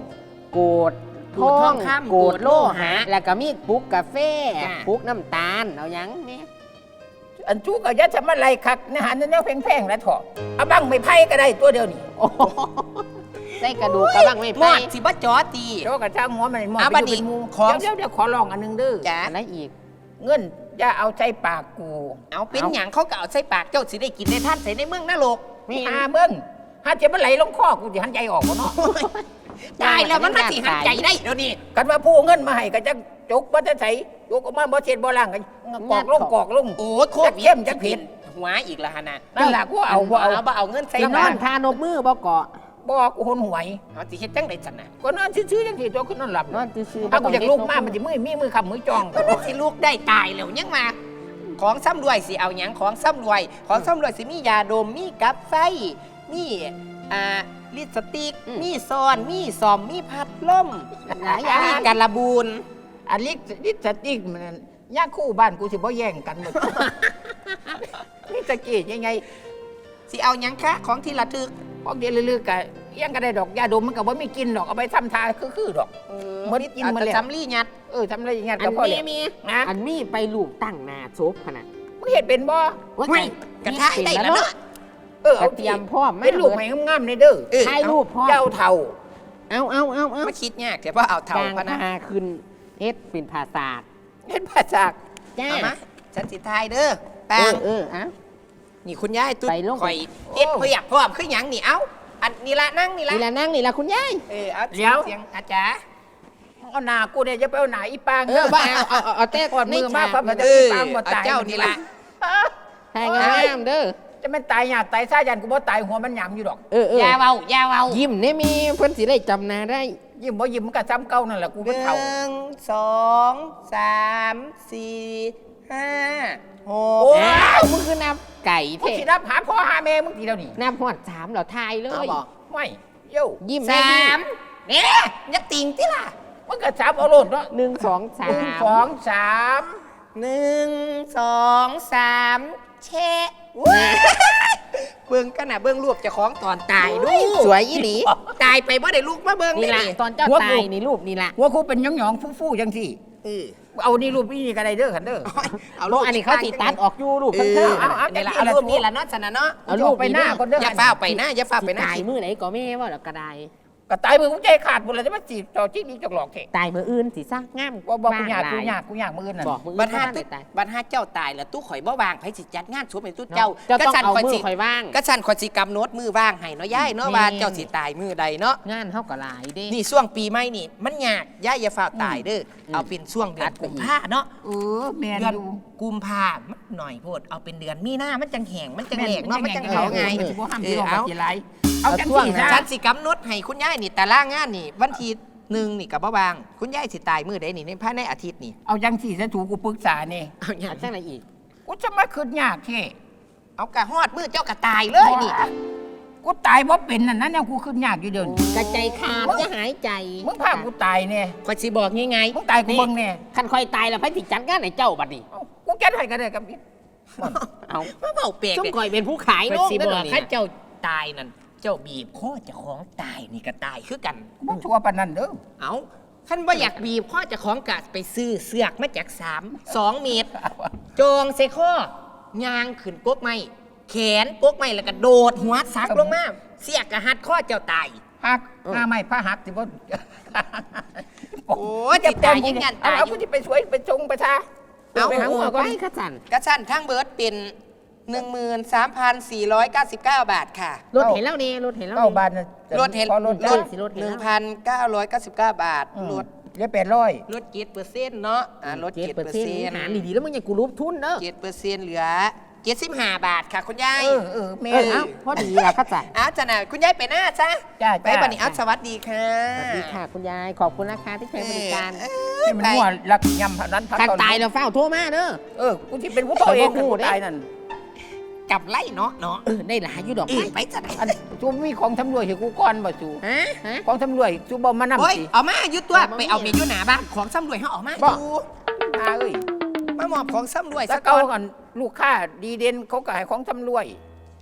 [SPEAKER 3] โกด
[SPEAKER 2] โกรธทองคำ
[SPEAKER 3] โกดโลหะ
[SPEAKER 2] โกรธโลหะ
[SPEAKER 3] แล้วก็มีปุกกาแฟ
[SPEAKER 2] จ้ะ
[SPEAKER 3] ปุกน้ำตาลเอาหยังเนี่ย
[SPEAKER 1] อันจูก็ยัดจะมาไล่คักนะฮะนั่นแนวแพงๆแล้วเถอะเอาบังไม่ไพ่ก็ได้ตัวเดียวนี่
[SPEAKER 3] โอ้โหใส่กระดูกกระบังไม่
[SPEAKER 2] หม
[SPEAKER 3] ไป
[SPEAKER 2] อดสิบ่จอตี
[SPEAKER 1] เดี๋ยวกระช่างหัวมันหมด
[SPEAKER 2] เอา
[SPEAKER 1] ไป
[SPEAKER 2] บัด
[SPEAKER 1] อยู่
[SPEAKER 2] นี้
[SPEAKER 1] เป็นหมู
[SPEAKER 2] ของ
[SPEAKER 1] เดี๋ยวเดี๋ยวขอลองอันหนึงเด้อ
[SPEAKER 2] จ้ะ
[SPEAKER 3] อะไรอีก
[SPEAKER 1] เงินอย่าเอาใจปากกู
[SPEAKER 2] เอาเป็นหยังเขาก็เอาใส่ปากเจ้าสิได้กินในท่านใส่ในเมืองนรก
[SPEAKER 3] มี
[SPEAKER 1] หาเบิ้งหาเจ็บมันไหลลงคอกูจะหันใจออกบ่เนาะ
[SPEAKER 2] ตายแล้วมันมาสิหันใจได้เดี๋ยวนี้
[SPEAKER 1] กันว่าผู้เอาเงินมาให้ก็จะจกบ่จะใส่จกออกมาบ่เช็ดบ่ล้างกันกอกลงกอกลง
[SPEAKER 2] โอ้โคตร
[SPEAKER 1] เข้มจักเผ็ด
[SPEAKER 2] หัวอีกแล้วฮะนะ
[SPEAKER 1] นั่นล่ะกูเอาบ่เอา
[SPEAKER 2] เอาบ่เอาเงินใส่
[SPEAKER 3] ไปน
[SPEAKER 2] บ้า
[SPEAKER 3] อน นทานบมือบ่เกาะ
[SPEAKER 1] บ่กูหนหวย
[SPEAKER 2] เอาสิเฮ็ดจังได๋จังนะ
[SPEAKER 1] ก็นอนซื่อๆจังซี่ตัวขึ้นนอนหลับ
[SPEAKER 3] นอนซื่อๆ
[SPEAKER 1] ถ้ากูอยากลุกมา
[SPEAKER 3] ต้ง
[SPEAKER 1] มันจะมือมีมือคำมือจอง
[SPEAKER 2] สิลูกได้ตายแล้วยังมาของซ้ำรวยสิเอาหยังของซ้ำรวย ของซ้ำรวยสิมียาดมมีกับไฟมีอ่าลิปสติกมีซอนมีซอมมีพัดลม
[SPEAKER 3] หลายอย่าง
[SPEAKER 2] มีการระบูน
[SPEAKER 1] อันลิกลิกสติกมันยาคู่บ้านกูสิบ่แย่งกันหมด นี่ตะกี้ยังไง
[SPEAKER 2] สิเอาหยังคะของที่ระทึก
[SPEAKER 1] พวกเดียวลือๆกะยังก็ได้ดอกยาดมมันก็บ่มีกินดอกเอาไปทำทาคือๆดอก
[SPEAKER 2] เออ
[SPEAKER 1] บ่ได้กินมาแล้ว
[SPEAKER 2] จำลี่ยัด
[SPEAKER 1] เออทำอะไรอย่างเงี้ย
[SPEAKER 3] อั
[SPEAKER 1] ก็
[SPEAKER 3] น
[SPEAKER 1] พอ
[SPEAKER 3] มี
[SPEAKER 1] แล้ว
[SPEAKER 3] มี
[SPEAKER 1] นะ
[SPEAKER 3] อันมีไปลูกตั้งหนาศพขนาด
[SPEAKER 1] มึงเห็นเป็นบ่
[SPEAKER 3] ว่า
[SPEAKER 2] ไม่กระทะได้แล้วเนาะ
[SPEAKER 1] เออ
[SPEAKER 3] เอา
[SPEAKER 1] เอา
[SPEAKER 3] เตรียมพร้อม
[SPEAKER 1] เป็นลูกใหม่งามๆในเด้อ
[SPEAKER 2] เออ
[SPEAKER 3] ถ่ายรูปพร้อม
[SPEAKER 1] เจ้าเท่า
[SPEAKER 3] เอาเอาเอาเอา
[SPEAKER 2] มาคิดยากแต่ว่าเอาเท่า
[SPEAKER 3] จาง
[SPEAKER 2] พะนะ
[SPEAKER 3] พาขึ้นเฮ็ดเป็นภาษาท
[SPEAKER 1] เห็นภาษา
[SPEAKER 3] จ้า
[SPEAKER 2] เอามาฉันสิทายเด้อ
[SPEAKER 3] เอ
[SPEAKER 2] แป้ง
[SPEAKER 3] อเออเอา
[SPEAKER 2] นี่คุณยายตุ๊ด
[SPEAKER 3] ไปลง
[SPEAKER 2] ข่อยเฮ็ดเพื่ออยากพร้อมคือหยังนี่เอ้าอันนี่ละนั่งนี่ละ
[SPEAKER 3] นี่ละนั่งนี่ละคุณยาย
[SPEAKER 2] เออเอา
[SPEAKER 1] เดี๋ยว
[SPEAKER 2] เสียงอาจารย์
[SPEAKER 1] เอาหน้ากูเนี่ยจะไปเอาหน้าอีปาง
[SPEAKER 3] เออว่าเอาเอาเอาเอาแต่
[SPEAKER 1] ก่อนมือมากครับมันจะ
[SPEAKER 2] เอ
[SPEAKER 1] อี
[SPEAKER 2] อ
[SPEAKER 1] ปางบ่
[SPEAKER 2] เอา
[SPEAKER 1] ตาย
[SPEAKER 2] เจ้านี่ละ
[SPEAKER 3] ทายงามๆเด้อ
[SPEAKER 1] จะไม่ตายหยาบตายซ่ายันกูบ่ตายหัวมันหยำอยู่ดอก
[SPEAKER 3] เออเออ
[SPEAKER 2] อยาเว้าอยาเว้า
[SPEAKER 3] ยิ้มเนี่ยมีเพิ่นสิได้จำหนาได้
[SPEAKER 1] ยิ้มบ่ยิ้มมันก็ซ้ำเก่านั่นแหละกู
[SPEAKER 2] ห
[SPEAKER 1] เป็นเท่า
[SPEAKER 2] นึ่งสองสามสี่ห้าห
[SPEAKER 1] โอ้
[SPEAKER 2] ก
[SPEAKER 3] อ้าวมึงคือนับไก่
[SPEAKER 1] มึง
[SPEAKER 3] เท่
[SPEAKER 1] สินับหาพ่อหาแม่มึงทีเดียวนี่
[SPEAKER 3] นับหอดสามเหราทายเล
[SPEAKER 2] เอา
[SPEAKER 3] ย
[SPEAKER 2] บอก
[SPEAKER 1] ไม่โย่
[SPEAKER 3] ยิ้ม
[SPEAKER 2] สามเนี่ยอยักติงที่ล่ะ
[SPEAKER 1] มันก็สามเอาโลดเนาะ
[SPEAKER 3] หนึ่งสองสา
[SPEAKER 1] หนึ่ง
[SPEAKER 3] ม
[SPEAKER 1] สองสาม
[SPEAKER 2] หนึ่งสองสามแชะว้ายเบิ่งกันนะเบิ่งรูปเจะของตอนตายดู
[SPEAKER 3] สวยอีหลี
[SPEAKER 2] ตายไปบ่ได้ลูกมาเบิ่ง
[SPEAKER 3] นี่
[SPEAKER 2] ได้
[SPEAKER 3] ละ
[SPEAKER 2] นี่
[SPEAKER 3] ตอนเจ้าตายนี่รูปนี่ละ
[SPEAKER 1] หัวกูเป็นหยองๆฟู่ๆจังสิ
[SPEAKER 2] เออ
[SPEAKER 1] เอานี่รูปนี่ก็ได้เด้อคันเด้อ
[SPEAKER 2] เอา
[SPEAKER 3] โลกอันนี้เขาติดตัดออกอยู่รูป
[SPEAKER 2] เอ
[SPEAKER 3] ข้าง
[SPEAKER 2] อ
[SPEAKER 3] ๆ
[SPEAKER 1] เอา
[SPEAKER 3] อะ
[SPEAKER 1] เอา
[SPEAKER 2] นี่ละเอารูปนี่ละเนาะสนะเนาะ
[SPEAKER 3] เอารูป
[SPEAKER 1] ไปหน้าคนเด้อ
[SPEAKER 2] อย่าฟ้าวไปหน้าอย่าฟ้าวไป
[SPEAKER 3] สิ
[SPEAKER 2] หน้า
[SPEAKER 3] ตายมือไหนก็แม่ว่าแล้วก็ได้
[SPEAKER 1] ก็ตายมือกูใจขาดหมดเลยจะมาจีบต่อจี้นี่จอกหลอกเถะ
[SPEAKER 3] ตายมืออื่นสิซะงาม
[SPEAKER 1] ว่าบอกกูอยาก
[SPEAKER 3] บ้
[SPEAKER 1] กู
[SPEAKER 3] งหล
[SPEAKER 1] อยากกูอยากมือนั่น
[SPEAKER 3] บอกมือ
[SPEAKER 2] บั
[SPEAKER 3] อื่
[SPEAKER 2] ด
[SPEAKER 3] น
[SPEAKER 2] ห้า
[SPEAKER 3] บ่
[SPEAKER 2] ตึ
[SPEAKER 3] ได้ตาย
[SPEAKER 2] บัดห้าเจ้าตายแล้วตู้ข่อยบ่วางไผสิจัดงานศพให้ตู้
[SPEAKER 3] เจ้า
[SPEAKER 2] เจ้า
[SPEAKER 3] เจ้าต้อง
[SPEAKER 2] สั่น
[SPEAKER 3] เอา
[SPEAKER 2] ข่อย
[SPEAKER 3] มือ
[SPEAKER 2] สิ
[SPEAKER 3] ข่อยว่าง
[SPEAKER 2] ก็สั่นข่อยสิกำโน้ตมือว่างให้เนาะย่ายเนาะ
[SPEAKER 3] นี่
[SPEAKER 2] ว่าเจ้าสิตายมือใดเนาะ
[SPEAKER 3] งานเฮาก็หลายเด้
[SPEAKER 2] นี่ช่วงปีใหม่นี่ มันยากย่ายอย่าฟ้าวตายเด้ออเอาเป็นช่วงเดือนกุมภาเนาะ
[SPEAKER 1] เออแมน
[SPEAKER 2] เดือน
[SPEAKER 1] อยู่
[SPEAKER 2] กุมภามันหน่อยโพดเอาเป็นเดือนมีหน้ามันจังแห้งมันจัง
[SPEAKER 1] แม่
[SPEAKER 2] แหลกเนาะมันจังเขาไง
[SPEAKER 1] เออสิบ่ห้าม
[SPEAKER 2] เอ
[SPEAKER 1] ที่
[SPEAKER 2] อ
[SPEAKER 1] ลงมา
[SPEAKER 2] เอา
[SPEAKER 1] กี่ไรเอาจังสี่ซะ
[SPEAKER 2] ฉันสิกำหนดให้คุณยายนี่แต่ล่างงานนี่ วันที่หนึ่งนี่กับบ่บาง คุณยายสิตายมือใดนี่ในภายในอาทิตย์นี่
[SPEAKER 1] เอาจังสี่ซะถูกกูปรึกษานี่
[SPEAKER 2] เอาอย่าง
[SPEAKER 3] เอาจังไหนอีก
[SPEAKER 1] กูจะมาคืนยากเท่
[SPEAKER 2] เอากะฮอดมือเจ้ากะตายเลยนี่
[SPEAKER 1] กูตายเพราะเป็นนั่นนั่นเนี่ยกูคืนยากอยู่เดิน
[SPEAKER 3] กระใจขาดจะหายใจ
[SPEAKER 1] มึงพากูตายเนี่ย
[SPEAKER 2] คอยสิบอกยังไง
[SPEAKER 1] มึงตายกูเบิ่งเนี่ย
[SPEAKER 3] คันคอยตายแล้วไผสิจัดงานให้เจ้าบัดนี้
[SPEAKER 1] เอากูแก้ให้กันเลยกับนี่
[SPEAKER 3] เอา
[SPEAKER 2] มาเบาเปลก
[SPEAKER 3] ซุ่ม
[SPEAKER 2] เลย
[SPEAKER 3] คอยเป็นผู้ขาย
[SPEAKER 2] คอย
[SPEAKER 3] โลก
[SPEAKER 2] สิ
[SPEAKER 3] เด้
[SPEAKER 2] บ
[SPEAKER 3] อ
[SPEAKER 2] อก
[SPEAKER 3] นี่
[SPEAKER 2] ถ้าเจ้าตายนั่นเจ้าบีบข้อเจ้าของตายนี่ก็ตายคือกัน
[SPEAKER 1] กูบ่ชัวร์ปานนั้นเด้อ
[SPEAKER 2] เอาท่านว่าอยากบีบข้อเจ้าของกะไปซื้อเสือกมาจากสามสองเมตร จองใส่ข้อยางขึ้นกกไม้แขนกกไม้แล้วก็โดดหัวซักลงมาเสียกกะหัดข้อเจ้าตาย
[SPEAKER 1] หักหน้าไม้ผ้าหักสิบ่
[SPEAKER 2] โอ้ยจิตตายยิ่งยัน
[SPEAKER 1] เอา
[SPEAKER 2] ตาย
[SPEAKER 1] เอากูจะไปช่วยไปชงไปทา
[SPEAKER 2] เอา
[SPEAKER 1] ไปหาหัว
[SPEAKER 3] เอา
[SPEAKER 1] ก่อน
[SPEAKER 3] ไปขจัน
[SPEAKER 2] กระชั้นทั้งเบิร์ดเป็น หนึ่งหมื่นสามพันสี่ร้อยเก้าสิบเก้า บาทค่ะ
[SPEAKER 3] รถเห็นแล้วนี่รถเห็นแล้ว
[SPEAKER 1] เก้า
[SPEAKER 3] นี่
[SPEAKER 1] บาทน่ะ
[SPEAKER 2] รถเห็น
[SPEAKER 1] พอรถ
[SPEAKER 2] ร
[SPEAKER 1] แล้ว
[SPEAKER 2] ถ
[SPEAKER 3] สิรถเห็น
[SPEAKER 2] ห
[SPEAKER 3] แล้ว
[SPEAKER 2] นึ่งพันเก้าร้อยเก้าสิบเก้าบาท
[SPEAKER 1] อืม
[SPEAKER 2] รถ
[SPEAKER 1] เหลือแปดร้อย
[SPEAKER 2] รถเจ็ดเปอร์เซ็นต์เนาะอ่ารถ
[SPEAKER 3] เจ็ด
[SPEAKER 2] เจ็ด
[SPEAKER 3] เปอ
[SPEAKER 2] เปอ
[SPEAKER 3] ร์
[SPEAKER 2] ร์
[SPEAKER 3] เซ็น
[SPEAKER 2] เซ็
[SPEAKER 3] ต์
[SPEAKER 2] นต์
[SPEAKER 3] หารดีๆแล้วมึงยังกูรูปทุนเด้อ
[SPEAKER 2] เจ็ดเปอร์เซ็นต์เหลือเจ็ดสิบห้าบาทค่ะคุณยาย
[SPEAKER 1] เออเออแม่
[SPEAKER 3] เออเอ้าพอดีละขจัน
[SPEAKER 2] อ้าวจ้ะนะคุณยายไปหน้าจ้ะ
[SPEAKER 1] จ้า
[SPEAKER 2] ไป
[SPEAKER 1] จ้า
[SPEAKER 2] บันนี้อ้าวสวัสดีค่ะ
[SPEAKER 3] สวัสดีค่ะคุณยายขอบคุณนะคะที่ใช้บริการ
[SPEAKER 2] เอ
[SPEAKER 1] ให้
[SPEAKER 2] อ
[SPEAKER 1] มัน
[SPEAKER 2] ไป
[SPEAKER 1] มั่วรักยำพนันพั
[SPEAKER 3] คัน
[SPEAKER 1] ตอน
[SPEAKER 3] ตายแล้วเฝ้าโทรมาเด้อ
[SPEAKER 1] เออกูที่เป็นผู้โตเอง
[SPEAKER 3] เออบ่ฮู้
[SPEAKER 1] กู
[SPEAKER 3] เด้
[SPEAKER 1] ตายนั่น
[SPEAKER 2] กลับไล่เนาะเนาะ
[SPEAKER 3] เออได้หลายอยู่ดอก
[SPEAKER 2] เอ
[SPEAKER 3] ไม้
[SPEAKER 2] อไปจ้ะนะ
[SPEAKER 1] อันจูมีของทำรวยให้กูก่อนบ่จู
[SPEAKER 3] ฮะฮะ
[SPEAKER 1] ของทำรวยจูบ่มานำ
[SPEAKER 2] โอ้ย
[SPEAKER 1] สิ
[SPEAKER 2] เอามาอยุตัว
[SPEAKER 3] เอามา
[SPEAKER 2] ไปเอา
[SPEAKER 3] มี
[SPEAKER 2] เมียอยู่หนาบ้านของซ้ำรวยเขาเออกมา
[SPEAKER 1] บ่
[SPEAKER 2] ดู
[SPEAKER 1] อาเอ้ย
[SPEAKER 2] มามอบของซ้ำรวย
[SPEAKER 1] แล้
[SPEAKER 2] สั
[SPEAKER 1] ว
[SPEAKER 2] ก
[SPEAKER 1] เก่า
[SPEAKER 2] ก่อน
[SPEAKER 1] ก่อนลูกค้าดีเด่นเขาก็ให้ของทำรวย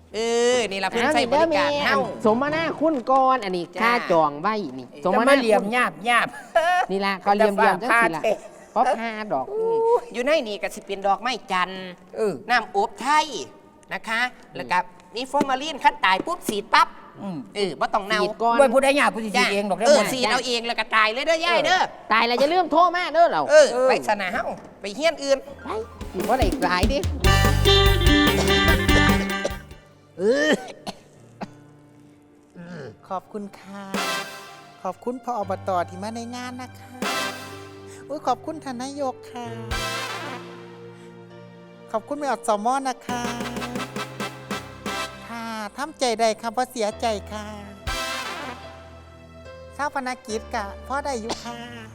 [SPEAKER 2] เออนี่ละเพิ่นใช้บริการเฮา
[SPEAKER 3] สมนาคุณก่อนอันนี้
[SPEAKER 2] จ้า
[SPEAKER 3] ค่าจองไว้นี่สม
[SPEAKER 1] จะ
[SPEAKER 3] นา
[SPEAKER 1] มาเหลี่ยม
[SPEAKER 3] คุณ
[SPEAKER 1] หยาบหยาบ
[SPEAKER 3] นี่ล่ะเขาเหลี่ยมเหลี่ยมจังสิล่ะ
[SPEAKER 1] แต่ว่า
[SPEAKER 3] เพราะผ้าดอก
[SPEAKER 2] อยู่ในนี่ก็สิเป็นดอกไม้จันทร์
[SPEAKER 1] เออ
[SPEAKER 2] น้ำอบไทยนะคะ แล้วก็มีฟอร์มาลีนขั้นตายปุ๊บสีดปั๊บ
[SPEAKER 1] อืม
[SPEAKER 2] เออบ่ต้องเนา
[SPEAKER 3] สีดก่อน
[SPEAKER 1] ด้วยผู้ใดหยาบผู้สิสีเองดอกได้
[SPEAKER 2] เออ
[SPEAKER 1] บ่
[SPEAKER 2] สีดเอาเองแล้วก็ตายเลยเด้อย่ายเด้อ
[SPEAKER 3] ตายแล้วจะเลื่อมโทษมาเด้อเรา
[SPEAKER 2] เออไปสนาเฮาไปเฮียนอื่น
[SPEAKER 3] ไปอยู่ว่าอะไรอีกหลายดิ
[SPEAKER 4] ขอบคุณค่ะ ขอบคุณพ่ออบตที่มาในงานนะคะอุ้ยขอบคุณทานนายกค่ะ ขอบคุณแม่อดสมอนะคะ ค่ะทำใจได้ค่ะเพราะเสียใจค่ะเศร้าพนักกิจกะพ่อได้อยู่ค่ะ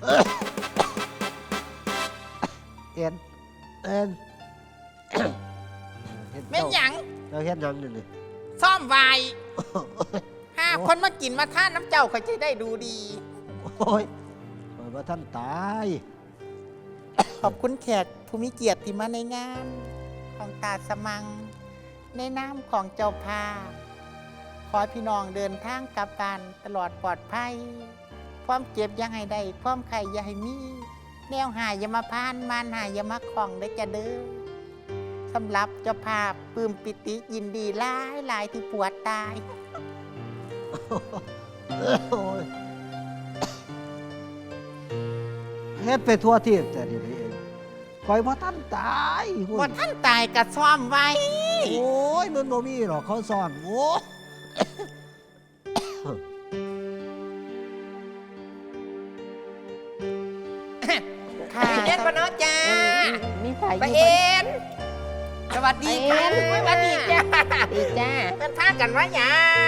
[SPEAKER 5] เอ็นเอ็น
[SPEAKER 4] แม่นหยัง
[SPEAKER 5] เราเฮ็ดหยังนี่นี่
[SPEAKER 4] ซ่อมไวายห้าคนมากินมาท่านน้ำเจ้าเขาจะได้ดูดี
[SPEAKER 5] โอ้ยเปิดว่าท่านตาย
[SPEAKER 4] ขอบคุณแขกภูมิเกียรติที่มาในงาน ของตาสมัง ในนามของเจ้าภาพขอให้พี่น้องเดินทางกลับบ้านตลอดปลอดภัย ความเจ็บอยังให้ได้ความไข่อย่าให้มี แนวหายอย่ามาพานมานหายอย่ามาของได้จะเด้อสำหรับเจ้าภาพปลื้มปิติยินดีหลายหลายที่ปวดตาย
[SPEAKER 5] โอ้ยเฮ็ดไปทั่วที่แต่ทีนี้เองคอยว่าท่านตายหุ่น
[SPEAKER 4] ว่าท่านตายกับซ่อมไว้
[SPEAKER 5] โอ้ยมันบ่มีหรอกเขาซ่อนโอ้ย
[SPEAKER 4] ค่ะ
[SPEAKER 2] ไปเอ็นปะเนาะจ้า
[SPEAKER 3] มีไฟ
[SPEAKER 2] ไป
[SPEAKER 3] อยู่
[SPEAKER 2] เอ็นสวัสดีค่ะ
[SPEAKER 3] ไปเอ็น
[SPEAKER 2] สวัสดีจ้า
[SPEAKER 3] ดีจ้า
[SPEAKER 4] เป็นท่ากันว่าหยัง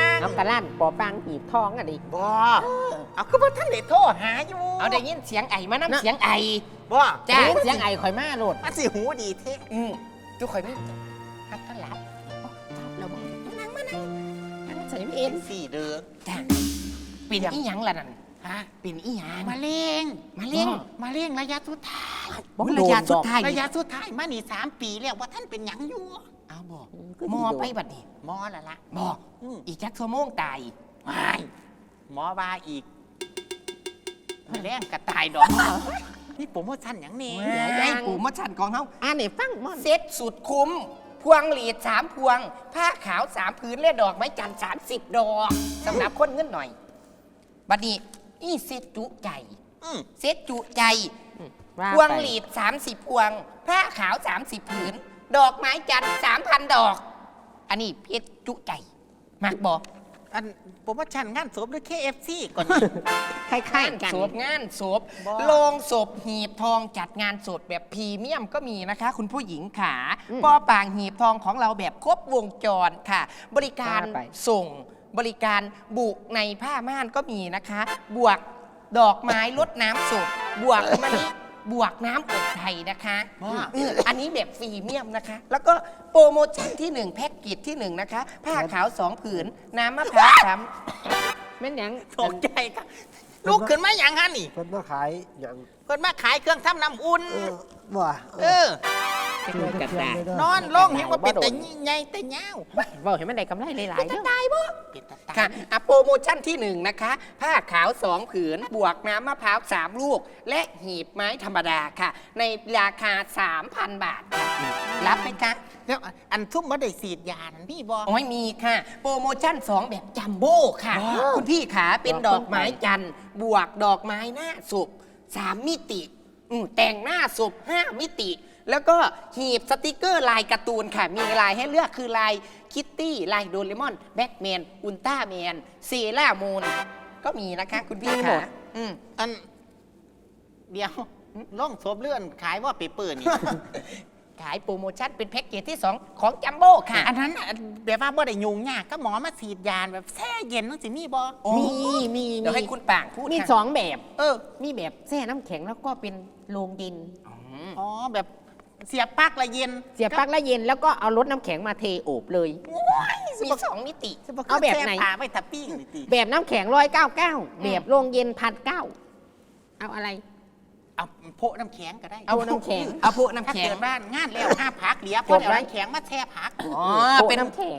[SPEAKER 3] เอากระลั่นปอปังหีบทองอ่ะดิ
[SPEAKER 4] บ่เอาคือว่าท่านได้โทรหาอยู่
[SPEAKER 2] เอาได้ยินเสียงไอ้มาน้ำ
[SPEAKER 3] เนาะ
[SPEAKER 2] เสียงไอ้
[SPEAKER 4] บ่
[SPEAKER 2] จ้า
[SPEAKER 3] เสียงไอ้ข่อยมาโลด
[SPEAKER 4] มาสิหูดีเท่
[SPEAKER 2] อืมทุกคนนี่
[SPEAKER 4] ฮักกันหลับ
[SPEAKER 3] เราบอกนั่งมานั่งนั่งใส่เอ็น
[SPEAKER 4] สี่เดือน
[SPEAKER 2] จ้าปิ่นอีหยังล่ะนั่น
[SPEAKER 4] ฮะ
[SPEAKER 2] ปิ่นอีหยัง
[SPEAKER 4] มาเร่ง
[SPEAKER 2] มาเลี้ยง
[SPEAKER 4] มาเร่งระยะสุดท้าย
[SPEAKER 3] บอก
[SPEAKER 2] ระยะ
[SPEAKER 3] โดนดอก
[SPEAKER 2] สุดท้าย
[SPEAKER 4] ระยะสุดท้ายมานี่สามปีแล้วว่าท่านเป็นหยังอยู่
[SPEAKER 2] เอาบอก
[SPEAKER 3] ก็
[SPEAKER 2] หม
[SPEAKER 3] ดี
[SPEAKER 2] อ
[SPEAKER 3] โดน
[SPEAKER 2] ไปบัดนี้
[SPEAKER 4] หมอละละ
[SPEAKER 2] บอก
[SPEAKER 4] อืม
[SPEAKER 2] อีกจักชั่วโมงตาย
[SPEAKER 4] ไม่หมอว่าอีกมาแรงกระตายดอกนี่ผมว่าท่านหยังนี่
[SPEAKER 2] ไอ้ปู่มดชันของเขา
[SPEAKER 3] อ่านไหนฟังมอน
[SPEAKER 2] เซ็ตสุดคุ้ม พวงหลีดสามพวง ผ้าขาวสามพื้นและดอกไม้จันทร์สามสิบดอกสำหรับคนเงินหน่อย บัดนี้อีเซ็ตจุใจ
[SPEAKER 4] อืม
[SPEAKER 2] เซ็ตจุใจ
[SPEAKER 3] ว่า
[SPEAKER 2] พวง
[SPEAKER 3] ไป
[SPEAKER 2] หลีดสามสิบพวง ผ้าขาวสามสิบผืน ดอกไม้จันทร์สามพันดอก อันนี้เพชรจุใจมักบอก
[SPEAKER 4] อันผมว่าฉันงานศพด้วย เค เอฟ ซี ก่อนนี่
[SPEAKER 3] คล้ายๆกัน
[SPEAKER 2] ศพงานศพ
[SPEAKER 4] บ้า
[SPEAKER 2] โลงศพหีบทองจัดงานศพแบบพรีเมียมก็มีนะคะ คุณผู้หญิงขา
[SPEAKER 3] อืม
[SPEAKER 2] ปอปางหีบทองของเราแบบครบวงจรค่ะ บริการ
[SPEAKER 3] ว่าไป
[SPEAKER 2] ส่งบริการบุกในผ้าม่านก็มีนะคะ บวกดอกไม้ลดน้ำศพบวกมะลิบวกน้ำอบไทยนะคะ
[SPEAKER 4] บ้า
[SPEAKER 2] เอออันนี้แบบพรีเมียมนะคะ แล้วก็โปรโมชั่นที่หนึ่งแพ็กเกจที่หนึ่งนะคะ ผ้าขาวสองผืน น้ำมะพร้าวสาม
[SPEAKER 3] แม่นหยัง
[SPEAKER 4] ตกใจครับลูกขึ้นมาอย่างฮะนี่
[SPEAKER 5] เพิ่นมาขายหยัง
[SPEAKER 4] เพิ่นมาขายเครื่องทำน้ำอุ่น
[SPEAKER 5] เออว่า
[SPEAKER 4] เออ
[SPEAKER 5] ชื่อจักรยาน
[SPEAKER 4] นอนลงเห็นว่าเป็นแต่ใหญ่แต่ยาว
[SPEAKER 3] บอกเห็นมันได้กำไรหลายๆเด้อ
[SPEAKER 4] ตายบ่เป็นตาตาย
[SPEAKER 2] ค่ะอ่ะโปรโมชั่นที่หนึ่งนะคะ ผ้าขาวสองผืน บวกน้ำมะพร้าวสามลูก และหีบไม้ธรรมดาค่ะ ในราคา สามพัน บาทค่ะ รับไหมคะ
[SPEAKER 4] แล้วอันทุ่มบ่ได้สีดยานั่นพี่บ่
[SPEAKER 2] โอ้ยมีค่ะ โปรโมชั่นสองแบบจัมโบ้ค่ะ คุณพี่ขาเป็นดอกไม้จันทร์ บวกดอกไม้หน้าศพสามมิติอืมแต่งหน้าศพห้ามิติ แล้วก็หีบสติกเกอร์ลายการ์ตูนค่ะ มีลายให้เลือกคือลายคิตตี้ ลายโดเรมอน แบ็กแมน อุลตร้าแมน เซรามูน ก็มีนะคะคุณพี่
[SPEAKER 3] มีหม
[SPEAKER 2] ค่ะ
[SPEAKER 3] ด
[SPEAKER 2] อืม
[SPEAKER 4] อัน เดี๋ยวล่องศพเลื่อนขายว่าเปเปอร์นี่
[SPEAKER 2] ขายโปรโมชั่นเป็นแพ็กเกจที่ สอง ของจัมโบ้ค่ะ
[SPEAKER 4] อันนั้นน่ะแบบว่าบ่ได้ยุงยากก็หมอมาสีดยาแบบแช่เย็นนั่นสิมีบ่
[SPEAKER 2] โอ้
[SPEAKER 3] มีมี
[SPEAKER 2] เดี๋ยวให้คุณป่างพูด
[SPEAKER 3] มี
[SPEAKER 2] ค่ะ
[SPEAKER 3] สองแบบ
[SPEAKER 4] เออ
[SPEAKER 3] มีแบบแช่น้ำแข็งแล้วก็เป็นโรงเย็น
[SPEAKER 2] อืม
[SPEAKER 4] อ๋อแบบเสียบปลั๊กละเย็น
[SPEAKER 3] เสียบปลั๊กแล้วเย็นแล้วก็เอารถน้ำแข็งมาเทโอบเลย
[SPEAKER 2] มีสองมิติ
[SPEAKER 3] เอาแบบไหน
[SPEAKER 4] ช่ผ้าไว้ทับปิ้งนี่ติ
[SPEAKER 3] แบบน้ำแข็งร้อยเก้าเก้าแบบโรงเย็นพันเก้าเอาอะไร
[SPEAKER 4] เอาโพะน้ำแข็งก็ได้
[SPEAKER 3] เอาน้ำแข็ง
[SPEAKER 2] เอาพวกน้ำ
[SPEAKER 4] ถ้า
[SPEAKER 2] แข็ง
[SPEAKER 4] เกิดบ้านงานแล้วห้าพักเหลีย
[SPEAKER 3] จ
[SPEAKER 4] พอบ
[SPEAKER 3] ไว้
[SPEAKER 4] เดี๋ยวน้ำแข็งมาแช่พัก
[SPEAKER 2] อ๋อ
[SPEAKER 3] โปะ
[SPEAKER 2] เป็น
[SPEAKER 3] น้ำแข็ง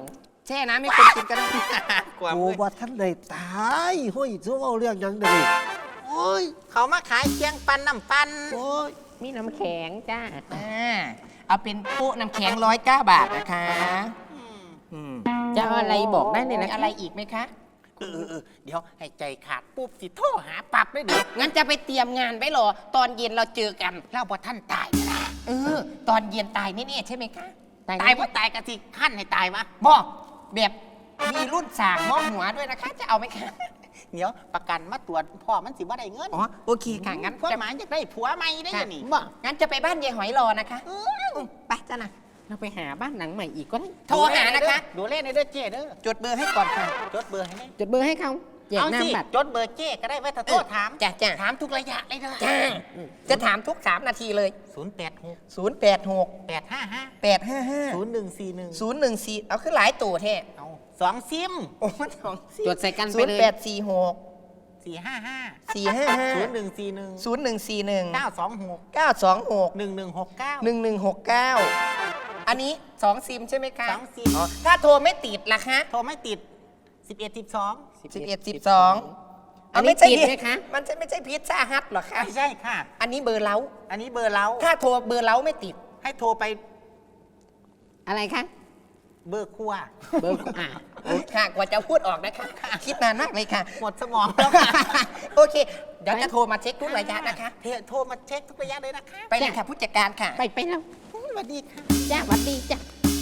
[SPEAKER 2] แช่น้ำให้คนกินก็ได้
[SPEAKER 4] ความ
[SPEAKER 5] กู
[SPEAKER 4] เลย
[SPEAKER 5] ว่าท่านได้ตายเฮ้ยจะเอาเรื่องหยังได้โอ้ย
[SPEAKER 4] เขามาขายเคียงปันน้ำปัน
[SPEAKER 5] โอ้ย
[SPEAKER 3] มีน้ำแข็งจ้า
[SPEAKER 2] อ่าเอาเป็นโป๊ะน้ำแข็งร้อยเก้าบาทนะคะอืม
[SPEAKER 3] จะเอาอะไรบอกได้เลยนะ
[SPEAKER 2] มีอะไรอีกไหมคะ
[SPEAKER 4] เออเออเออเดี๋ยวให้ใจขาดปุ๊บสิโทรหาปรับเลยเดี๋ยว
[SPEAKER 2] งั้นจะไปเตรียมงานไว้เหรอ ตอนเย็นเราเจอกัน
[SPEAKER 4] เล่าว่าท่านตายนะ
[SPEAKER 2] เออ ตอนเย็นตายแน่ๆใช่ไหมคะ
[SPEAKER 3] ตาย
[SPEAKER 4] ตายเพราะตายกะทิขั้นให้ตายวะ
[SPEAKER 2] บอกแบบมีรุ่นสากมองหัวด้วยนะคะ จะเอาไหมคะ
[SPEAKER 4] เดี๋ยวประกันมาตรวจพ่อมันสิว่าได้เงิน
[SPEAKER 2] อ๋อ โอเคค่ะ งั้น
[SPEAKER 4] พ่อ
[SPEAKER 2] จะ
[SPEAKER 4] หมายอยากได้ผัวใหม่ได้
[SPEAKER 2] ค่ะ
[SPEAKER 4] ยังนี่
[SPEAKER 2] บอกงั้นจะไปบ้านยายหอยรอนะคะอืมไปจ้ะนะ
[SPEAKER 3] เราไปหาบ้านหลังใหม่อีกก็ได้
[SPEAKER 2] โทรหานะคะ
[SPEAKER 4] ดูเล่นในเด้อเจ้เด้อ
[SPEAKER 2] จดเบอร์ให้ก่อนค่ะ
[SPEAKER 4] จดเบอร์ให้ไหม
[SPEAKER 3] จดเบอร์ให้เขาแจก
[SPEAKER 4] เอาสิ
[SPEAKER 3] น้ำบัตร
[SPEAKER 4] จดเบอร์เจ้ก็ได้ไว้ถ้าโทษถาม
[SPEAKER 2] จ้ะจ้ะ
[SPEAKER 4] ถามทุกระยะเลยเด้อ
[SPEAKER 2] จ้าจะถามทุกสามนาทีเลย
[SPEAKER 4] ศูนย์แปดหก
[SPEAKER 2] ศูนย์ แปด หก
[SPEAKER 4] แปดห้าห้า
[SPEAKER 2] แปด ห้า ห้า
[SPEAKER 4] ศูนย์หนึ่งสี่หนึ่ง
[SPEAKER 2] ศูนย์ หนึ่ง สี่ เอาขึ้นหลายตัวแท้
[SPEAKER 4] เอาสองซิม
[SPEAKER 2] โอ้มันสอง
[SPEAKER 3] จดใส่กัน
[SPEAKER 2] ศู
[SPEAKER 3] ไป
[SPEAKER 2] น
[SPEAKER 3] เล
[SPEAKER 2] ย์
[SPEAKER 3] ย
[SPEAKER 2] แปด สี่ หก
[SPEAKER 4] สี่ห้าห้า
[SPEAKER 2] สี่ ห้า ห้า
[SPEAKER 4] ศูนย์หนึ่งสี่หนึ่ง
[SPEAKER 2] ศูนย์ หนึ่ง สี่ หนึ่ง
[SPEAKER 4] เก้าสองหก
[SPEAKER 2] เก้า สอง หก
[SPEAKER 4] หนึ่งหนึ่งหกเก้า
[SPEAKER 2] หนึ่ง หนึ่ง หก เก้า อันนี้สองซิมใช่ไหมคะ
[SPEAKER 4] สองซิม
[SPEAKER 2] อ๋อถ้าโทรไม่ติดล่ะคะ
[SPEAKER 4] โทรไม่ติดสิบเอ็ดสิบสอง
[SPEAKER 2] สิบเอ็ด สิบสอง
[SPEAKER 3] อันนี้
[SPEAKER 2] ไม่ใช่
[SPEAKER 3] ติดไหมคะ
[SPEAKER 2] มันจะไม่ใช่พิซซ่าฮัทหรอคะ
[SPEAKER 4] ไม่ใช่ค่ะ
[SPEAKER 2] อันนี้เบอร์เล้า
[SPEAKER 4] อันนี้เบอร์เล้า
[SPEAKER 2] ถ้าโทรเบอร์เล้าไม่ติด
[SPEAKER 4] ให้โทรไป
[SPEAKER 3] อะไรคะ
[SPEAKER 4] เบอร์ครัว
[SPEAKER 3] เบอร์อ่า
[SPEAKER 2] ค่ะ กว่าจะพูดออกนะคะ คิดนานมากเลยค่ะ
[SPEAKER 4] หมดสมองแล้วค่ะ
[SPEAKER 2] โอเค เดี๋ยวจะโทรมาเช็คทุกระยะนะคะ
[SPEAKER 4] เทโทรมาเช็คทุกระยะเลยนะคะ
[SPEAKER 2] ไปเลยค่ะผู้จัดการค่ะ
[SPEAKER 3] ไปไปแล้ว
[SPEAKER 4] สวัสดีค่ะ
[SPEAKER 3] จ้าหวัดดีจ้า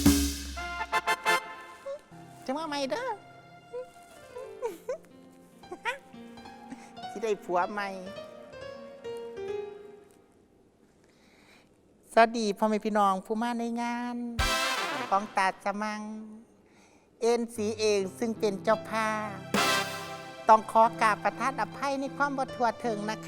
[SPEAKER 4] จะมาใหม่เด้อ ที่ได้ผัวใหม่ สวัสดีพ่อแม่พี่น้องผู้มาในงาน ของตาสมัง เอ็นสีเองซึ่งเป็นเจ้าภาพต้องขอกราบประทานอภัยในความบ่ทั่วถึงนะคะ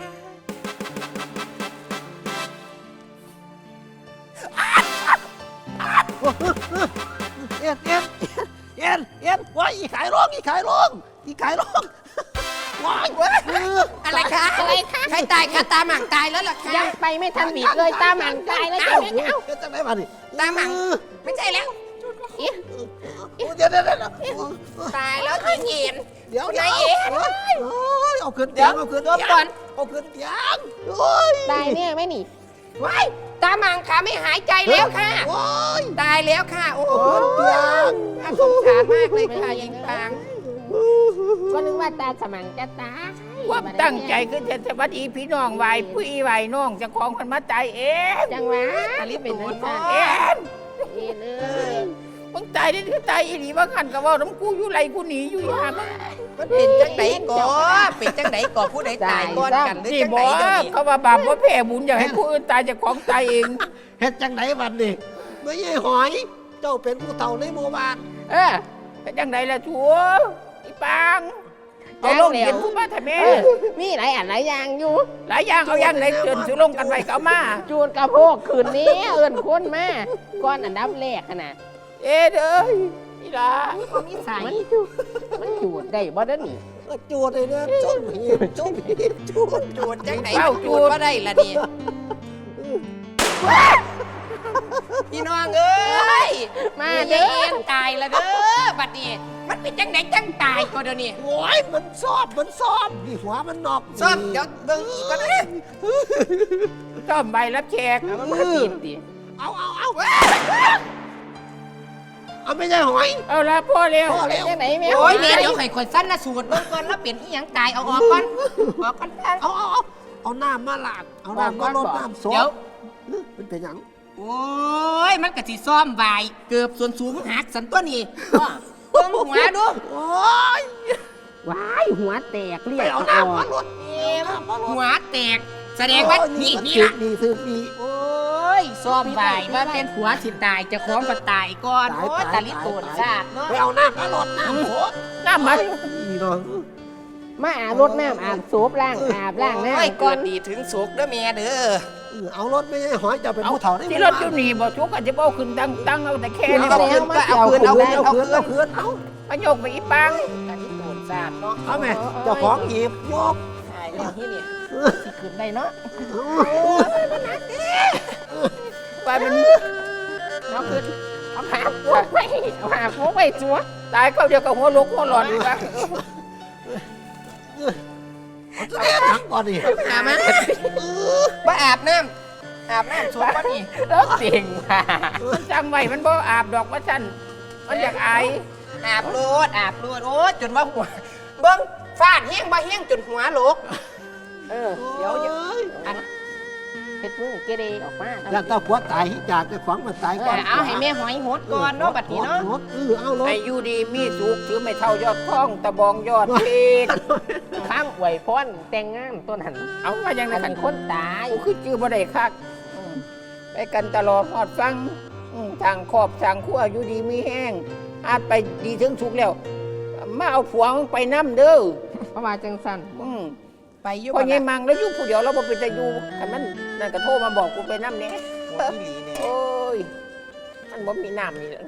[SPEAKER 5] เอ็นเอ็นเอ็นเอ็นว้ายอีขายร้องอีขายร้องอีขายร้องว้ายเออ
[SPEAKER 2] อะไรคะ อะไรคะใครตายคะตาหมั่งตายแล้วเหรอคะ
[SPEAKER 3] ยังไปไม่ทันบีบเลยตามหลังตายแล้วจ้าแม่เอ้า
[SPEAKER 5] เฮ็ดจังไดมาดิ
[SPEAKER 2] ตาหมั่งไม่ใช่แล้ว
[SPEAKER 3] เอ๊ะ
[SPEAKER 5] เดี๋ยวเดี๋ยวเดี๋ยวเดี๋ยว
[SPEAKER 2] ตายแล้วที่เห็น
[SPEAKER 5] เดี๋ยว
[SPEAKER 2] ไหน
[SPEAKER 5] เดี๋ยว
[SPEAKER 2] เอ๋
[SPEAKER 5] โอ้ยเอาขึ้น
[SPEAKER 2] เดี๋
[SPEAKER 5] เตี
[SPEAKER 2] ย
[SPEAKER 5] ยว งเอาขึ้น
[SPEAKER 2] ตัว
[SPEAKER 5] เตียง
[SPEAKER 2] ก่อน
[SPEAKER 5] เอาขึ้นเตียงโอ้ย
[SPEAKER 3] ตายเนี่ยไหม่หนี
[SPEAKER 2] ว้ายตาหมั่งขาไม่หายใจแล้วค่ะ
[SPEAKER 5] โอ้ย
[SPEAKER 2] ตายแล้วค่ะ โอ้โห
[SPEAKER 5] เอาขึ้นเตียง
[SPEAKER 2] น่าสงสารมากเลยค่ะยิงปาง
[SPEAKER 3] ก็นึกว่าตาสมังจะตาย
[SPEAKER 1] ความตั้งใจคือจะสวัสดีพี่น้องไหวผู้อีไหวน้องเจะของมันมาตายเอง
[SPEAKER 3] จังหวะนี่เป็นนักการ
[SPEAKER 1] เอ็น
[SPEAKER 3] เอ็นเอ้ย
[SPEAKER 1] มึงตายได้ที่ตายอีหลีว่าขันกับว่าน้ำกูอยู่ไรกูหนีอยู่ยามง
[SPEAKER 2] มันเป็นจังไหนก่อเป็นจังไหนก่อผู้ใดตายก่อนกันหรือ
[SPEAKER 1] นี่
[SPEAKER 2] จัง
[SPEAKER 1] บ
[SPEAKER 2] ไหน
[SPEAKER 1] อก
[SPEAKER 2] เดี๋ยวนี้
[SPEAKER 1] เขาว่าบาปว่าแผ่บุญอยากให้ผู้อื่นตายจากของตายเอง
[SPEAKER 5] เฮ็ดจังไดบัดนี่ไม่ใช่หอย เจ้าเป็นผู้เฒ่าในหมู่บ้าน
[SPEAKER 1] เออเป็นจังไดล่ะชัวอีปางเอาลงเห็นผู้มาทำไม
[SPEAKER 3] เออมีหลายอันหลายอย่างอยู่
[SPEAKER 1] หลายอย่างเอาอย่างไหนเชิญสุลงกันไว้เขามา
[SPEAKER 3] จูดกระโพกคืนนี้เอื่นคนมาก้อนอันดับแรกขนาด
[SPEAKER 1] เอ็ดเอ้ยอีหลา
[SPEAKER 2] มีสาย
[SPEAKER 3] มันจูดมันจูดได้บ่ได้หนิ
[SPEAKER 5] จูดเลยนะจุดหีบจุดหีบจูด
[SPEAKER 2] จูดจังไหนจูดว่าได้ละนี่พี่น้องเอ้ย
[SPEAKER 3] มา
[SPEAKER 2] มา
[SPEAKER 3] เด้
[SPEAKER 2] เด้
[SPEAKER 3] อ
[SPEAKER 2] อตายละเด้อบัดนี้มันเป็นจังไหนจังตายก็เดี๋ยวนี้
[SPEAKER 5] โอ้ยมันซอบมันซอบนี่หัวมันนอก
[SPEAKER 2] ซ่อมเดี๋ยวเบิ่งอีกก็ได้
[SPEAKER 1] ซ่อมใบรับแขก
[SPEAKER 3] เอามันมาตีนดิ
[SPEAKER 5] เอาเอาเอาเอาไม่ใช่หอย
[SPEAKER 1] เอาละพ่อเร็ว
[SPEAKER 5] พ่อ
[SPEAKER 3] เป็น
[SPEAKER 5] เร็ว
[SPEAKER 3] จังไหนแม่
[SPEAKER 2] โอ้ยเดี๋ยวเดี๋ยวไข่คนสั้นนะสูตรเบิ่งก่อนแล้วเปลี่ยนอีหยังตายเอาออกก่อนออกก่อน
[SPEAKER 5] เอาเอาเอาเอาน้ำมาลาดเอาน้ำมาลดน้ำซ
[SPEAKER 2] เดี๋ยว
[SPEAKER 5] มันเป็นหยัง
[SPEAKER 2] โอ้ยมันก็สิซ่อมใบเกือบส่วนสูงหักสันตัวนี้เบิ่งหัวดู
[SPEAKER 5] โอ้ย
[SPEAKER 3] ว้ายหัวแตกเรีย
[SPEAKER 5] ไป
[SPEAKER 3] ก
[SPEAKER 5] เอา
[SPEAKER 3] เอาอ
[SPEAKER 5] น้ำ
[SPEAKER 3] อ
[SPEAKER 5] มาก ลดน้ำมาลด
[SPEAKER 2] หัวแตกแสดงว่านี่นี่ล่ะ
[SPEAKER 5] นี่คือนี่
[SPEAKER 2] โอ้ยซ่อมใบว่าเป็นหัวสิตายเจะคล้าของก็ตายก่อนโอ้ยตาลิโตนซาดเนาะ
[SPEAKER 5] ไปเอาน้ำมาลดน้ำโคตร
[SPEAKER 1] น้ำมัน
[SPEAKER 5] นี่เนาะ
[SPEAKER 3] มาอาบรดน้ำอาบโซบล้างอาบล้างหน้า
[SPEAKER 2] โอ้ย
[SPEAKER 3] ก่
[SPEAKER 2] ก่
[SPEAKER 3] อ
[SPEAKER 2] อน นดีถึงสุกเด้อแม่เด้อ
[SPEAKER 5] เอารถไม่ใช่หอยจะเป็นผู้เฒ่าได้
[SPEAKER 1] ที่รถอยู่นี่บอกชุกอาจจะบอกขึ้นตั้งตั้งเอาแต่แค่
[SPEAKER 2] เอา
[SPEAKER 1] นี้
[SPEAKER 2] เอา
[SPEAKER 1] บอก
[SPEAKER 2] คืนก็เอาคืนเอา
[SPEAKER 5] เอา
[SPEAKER 2] คืน
[SPEAKER 5] คื
[SPEAKER 2] เอา
[SPEAKER 5] น
[SPEAKER 2] คื
[SPEAKER 5] เอา
[SPEAKER 2] น
[SPEAKER 5] คืนเอา
[SPEAKER 1] มาโยกไปอีปัง
[SPEAKER 2] ตาลิโตนซาดเนาะ
[SPEAKER 5] เอาแม่เจ้าของหยิบยก
[SPEAKER 2] ตายแล้วที่เนี่ย
[SPEAKER 3] สิขึ้นได้เนาะ
[SPEAKER 1] ไปมัน
[SPEAKER 3] เอาขึ้นเอาหาพวกไปเอาหาพวกไปจัว
[SPEAKER 1] ตายเข้าเดียวกับหัวลุกหัวหลอนอีกแล้ว
[SPEAKER 5] เอาจะได้หนังก่อนดิ
[SPEAKER 2] อาบน้ำบ่อาบน้ำอาบน้ำชมบ่นี่
[SPEAKER 1] แล้วเสียงว่ามันจำไว้มันบ่อาบดอกว่าฉันมันอยากอาย
[SPEAKER 2] อาบโลดอาบโลดโอ้ยจนว่าหัวเบิ่งฟาดแห้งบ่แห้งจนหัวโลก
[SPEAKER 3] เออเดี๋ยวเดี๋ยวอันเฮ็ดมือเกเรออกมา
[SPEAKER 5] อยากเจ้าผัวตายอยากจะขวางมันตายก่อน
[SPEAKER 2] เอาให้แม่หอยหดก่อนเนาะบัดนี้เนาะ
[SPEAKER 5] เออเอาลง
[SPEAKER 1] ไอ้อยู่ดีมีสุขถือไม่เท่ายอดท้องตะบองยอดเพชร
[SPEAKER 3] ข้างอวยพรแต่งงานต้นหัน
[SPEAKER 1] เอาว่ายังไง
[SPEAKER 3] อัน
[SPEAKER 1] กัน
[SPEAKER 3] นี้คนตาย
[SPEAKER 1] กูคือจื้อบ่ได้คักอืมไปกันตลอดหอดฟังอืมทางครอบทางครัวอยู่ดีมีแห้งอาจไปดีถึงสุขแล้ว มาเอาผัวมึงไปน้ำเด้อ
[SPEAKER 3] เพราะว่าจังซั่น
[SPEAKER 1] อืม
[SPEAKER 2] ไปอยู่
[SPEAKER 1] พอ
[SPEAKER 2] บ่
[SPEAKER 1] เงี้ย
[SPEAKER 2] ล่ะ
[SPEAKER 1] มังแล้วอยู่ผู้เดียวเราบ่เป็นตาอยู่กันมันนั่นก็โทรมาบอกกูไปน้ำเนี้ย
[SPEAKER 4] หัวอีหลีเนี่ย
[SPEAKER 1] โอ้ยมันบ่มีน้ำนี่แหละ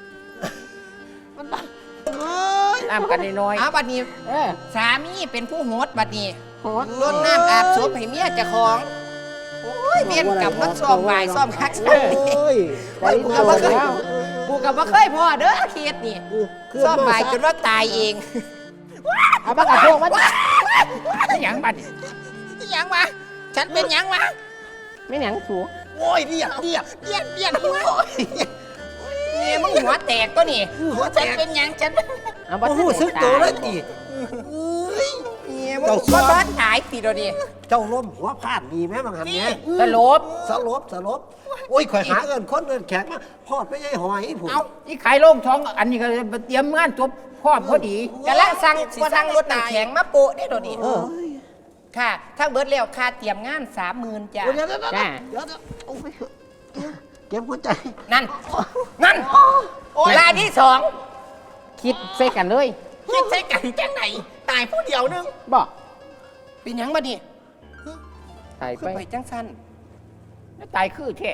[SPEAKER 5] เอ้ย
[SPEAKER 1] น้ำกันน้อย
[SPEAKER 2] เอาบัดนี้
[SPEAKER 3] เออ
[SPEAKER 2] สามีเป็นผู้โหดบัดนี้
[SPEAKER 3] โหด
[SPEAKER 2] รดน้ำอาบศพให้เมียเจ้าของโอ้ยเมียนกลับมาซ่อมบ่ายซ่อมคักซ่อมนี่
[SPEAKER 5] โอ้ย
[SPEAKER 3] ได้
[SPEAKER 2] กู
[SPEAKER 3] ตั
[SPEAKER 2] ก็
[SPEAKER 3] ว
[SPEAKER 2] บ่เคย
[SPEAKER 3] แล้ว
[SPEAKER 2] กูก็บ่เคยพ่อเด้อเคสนี่
[SPEAKER 5] คือ
[SPEAKER 2] ซ่อมบ่ายจนว่าตายเอง
[SPEAKER 3] เอาปากกาโทกมา
[SPEAKER 1] ๆไม่หยังบัดนี้
[SPEAKER 2] นี่หยังวะฉันเป็นหยังวะ
[SPEAKER 3] ไม่หยังสู
[SPEAKER 5] โอ้ยเรียบเรียบ
[SPEAKER 2] เบียนเบียนหัวเมียมึงหัวแตกตัวนี่หัวฉันเป็นหยังฉัน
[SPEAKER 3] เอา
[SPEAKER 5] โอ้โหซึกโตเลยตี
[SPEAKER 2] เมียมึงหัวบ้านหายติดตัวนี่
[SPEAKER 5] เจ้าล้มหัวพลาดมีไหมบางหันเนี่ย
[SPEAKER 1] สลบ
[SPEAKER 5] สลบสลบโอ้ยข่อยหาเงินคนเงินแขกมาพอดไม่ใช่หอยผม
[SPEAKER 2] เอา
[SPEAKER 1] ที่ขายโล่งท้องอันนี้ก็เตรียมงานจบพร้อมพอดี
[SPEAKER 2] กำลังสั่งกำลังรถน้ำแข็งมาโปะได้ตัวนี่
[SPEAKER 5] เออ
[SPEAKER 2] ค่ะ ถ้าเบิดแล้วค่าเตรียมงานสามหมื่นจ้ะ
[SPEAKER 5] เดี๋ยวเดี๋ยวเดี๋ยวเดี๋ยวเดี๋ยวโอ้ยเก็บหัวใจ
[SPEAKER 2] นั่น นั่นรายที่สอง
[SPEAKER 3] คิดใส่กันเลย
[SPEAKER 2] คิดใช้กันจังไหนตายผู้เดียวนึง
[SPEAKER 3] บอก
[SPEAKER 2] เป็นหยังมาดิ
[SPEAKER 3] ตาย
[SPEAKER 2] ขึ้
[SPEAKER 3] ไป
[SPEAKER 2] นไปจังสั้น
[SPEAKER 1] ตายคือแท้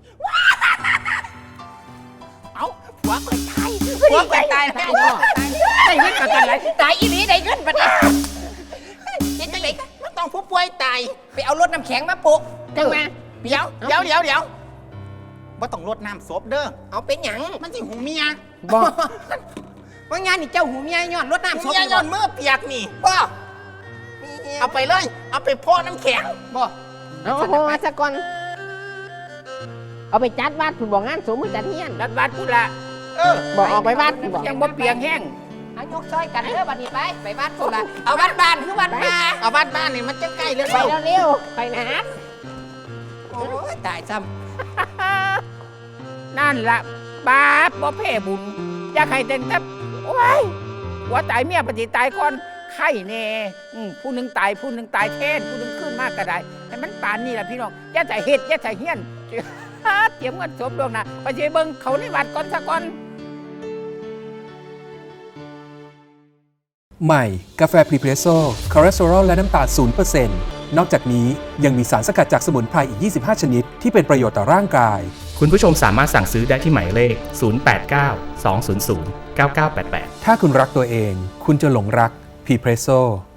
[SPEAKER 2] เอาหัวไปตายหัวไปตายแล้ว
[SPEAKER 1] ได้เงินกันกันไร
[SPEAKER 2] ตายอีหลีได้เงินปะเนี่ยเห็นจังไหนมันต้องผู้ป่วยตาย ไปเอารถน้ำแข็งมาโปะ
[SPEAKER 3] จังมา
[SPEAKER 2] เดี๋ยวเดี๋ยวเดี๋ยวเดี๋ยว
[SPEAKER 4] ว่าต้องรดน้ำศพเด้อ
[SPEAKER 2] เอาเป็นหยัง
[SPEAKER 4] มันสิหูเมีย
[SPEAKER 3] บอก
[SPEAKER 2] ว่างานนี่เจ้าหูเมียย้อนรถน้ำศพ
[SPEAKER 4] เมียย้อนมือเปียกนี่
[SPEAKER 2] บ่
[SPEAKER 4] เอาไปเลย เอาไปพ่อน้ำแข็ง
[SPEAKER 2] บ่
[SPEAKER 3] เอาโทรมาซะก่อนเอาไปจัดวัดคุณบอกงานสมมือจัดเฮียน
[SPEAKER 1] รัดวัดพุละ
[SPEAKER 4] เออ
[SPEAKER 3] บอกออกไปวัดคุณบอก
[SPEAKER 1] ยังบ่เปียงแห้ง
[SPEAKER 2] เอายกซอยกันเด้อบัดนี้ไปไปบ้านพุ่นละเอาบ้านบ้านคือบ้านมา
[SPEAKER 4] เอาบ้านบ้านนี่มันจะใกล้เลย
[SPEAKER 3] ไปเร็วๆไปนะ
[SPEAKER 2] โอ้ยตายซ้
[SPEAKER 1] นั่นละบาปบ่แพ้บุญอยากให้แต่งแต่โอ้ยหัวตายเมียปฏิตายก่อนไข่แน่อืมผู้หนึ่งตายผู้หนึ่งตายแทนผู้หนึ่งขึ้นมากก็ได้ให้มันปานนี่แหละพี่น้องอย่าใส่เห็ดอย่าใส่เฮี้ยน เตรียมเงินสมดวงนะไปเจเบิ่งเขาในวัดก่อนซะก่อน
[SPEAKER 6] ใหม่ กาแฟพรีเพรสโซ่คอเลสเตอรอลและน้ำตาล ศูนย์เปอร์เซ็นต์ นอกจากนี้ยังมีสารสกัดจากสมุนไพรอีก ยี่สิบห้า ชนิด ที่เป็นประโยชน์ต่อร่างกาย
[SPEAKER 7] คุณผู้ชมสามารถสั่งซื้อได้ที่หมายเลข ศูนย์ แปด เก้า สอง ศูนย์ ศูนย์ เก้า เก้า แปด แปด
[SPEAKER 6] ถ้าคุณรักตัวเอง คุณจะหลงรักพรีเพรสโซ่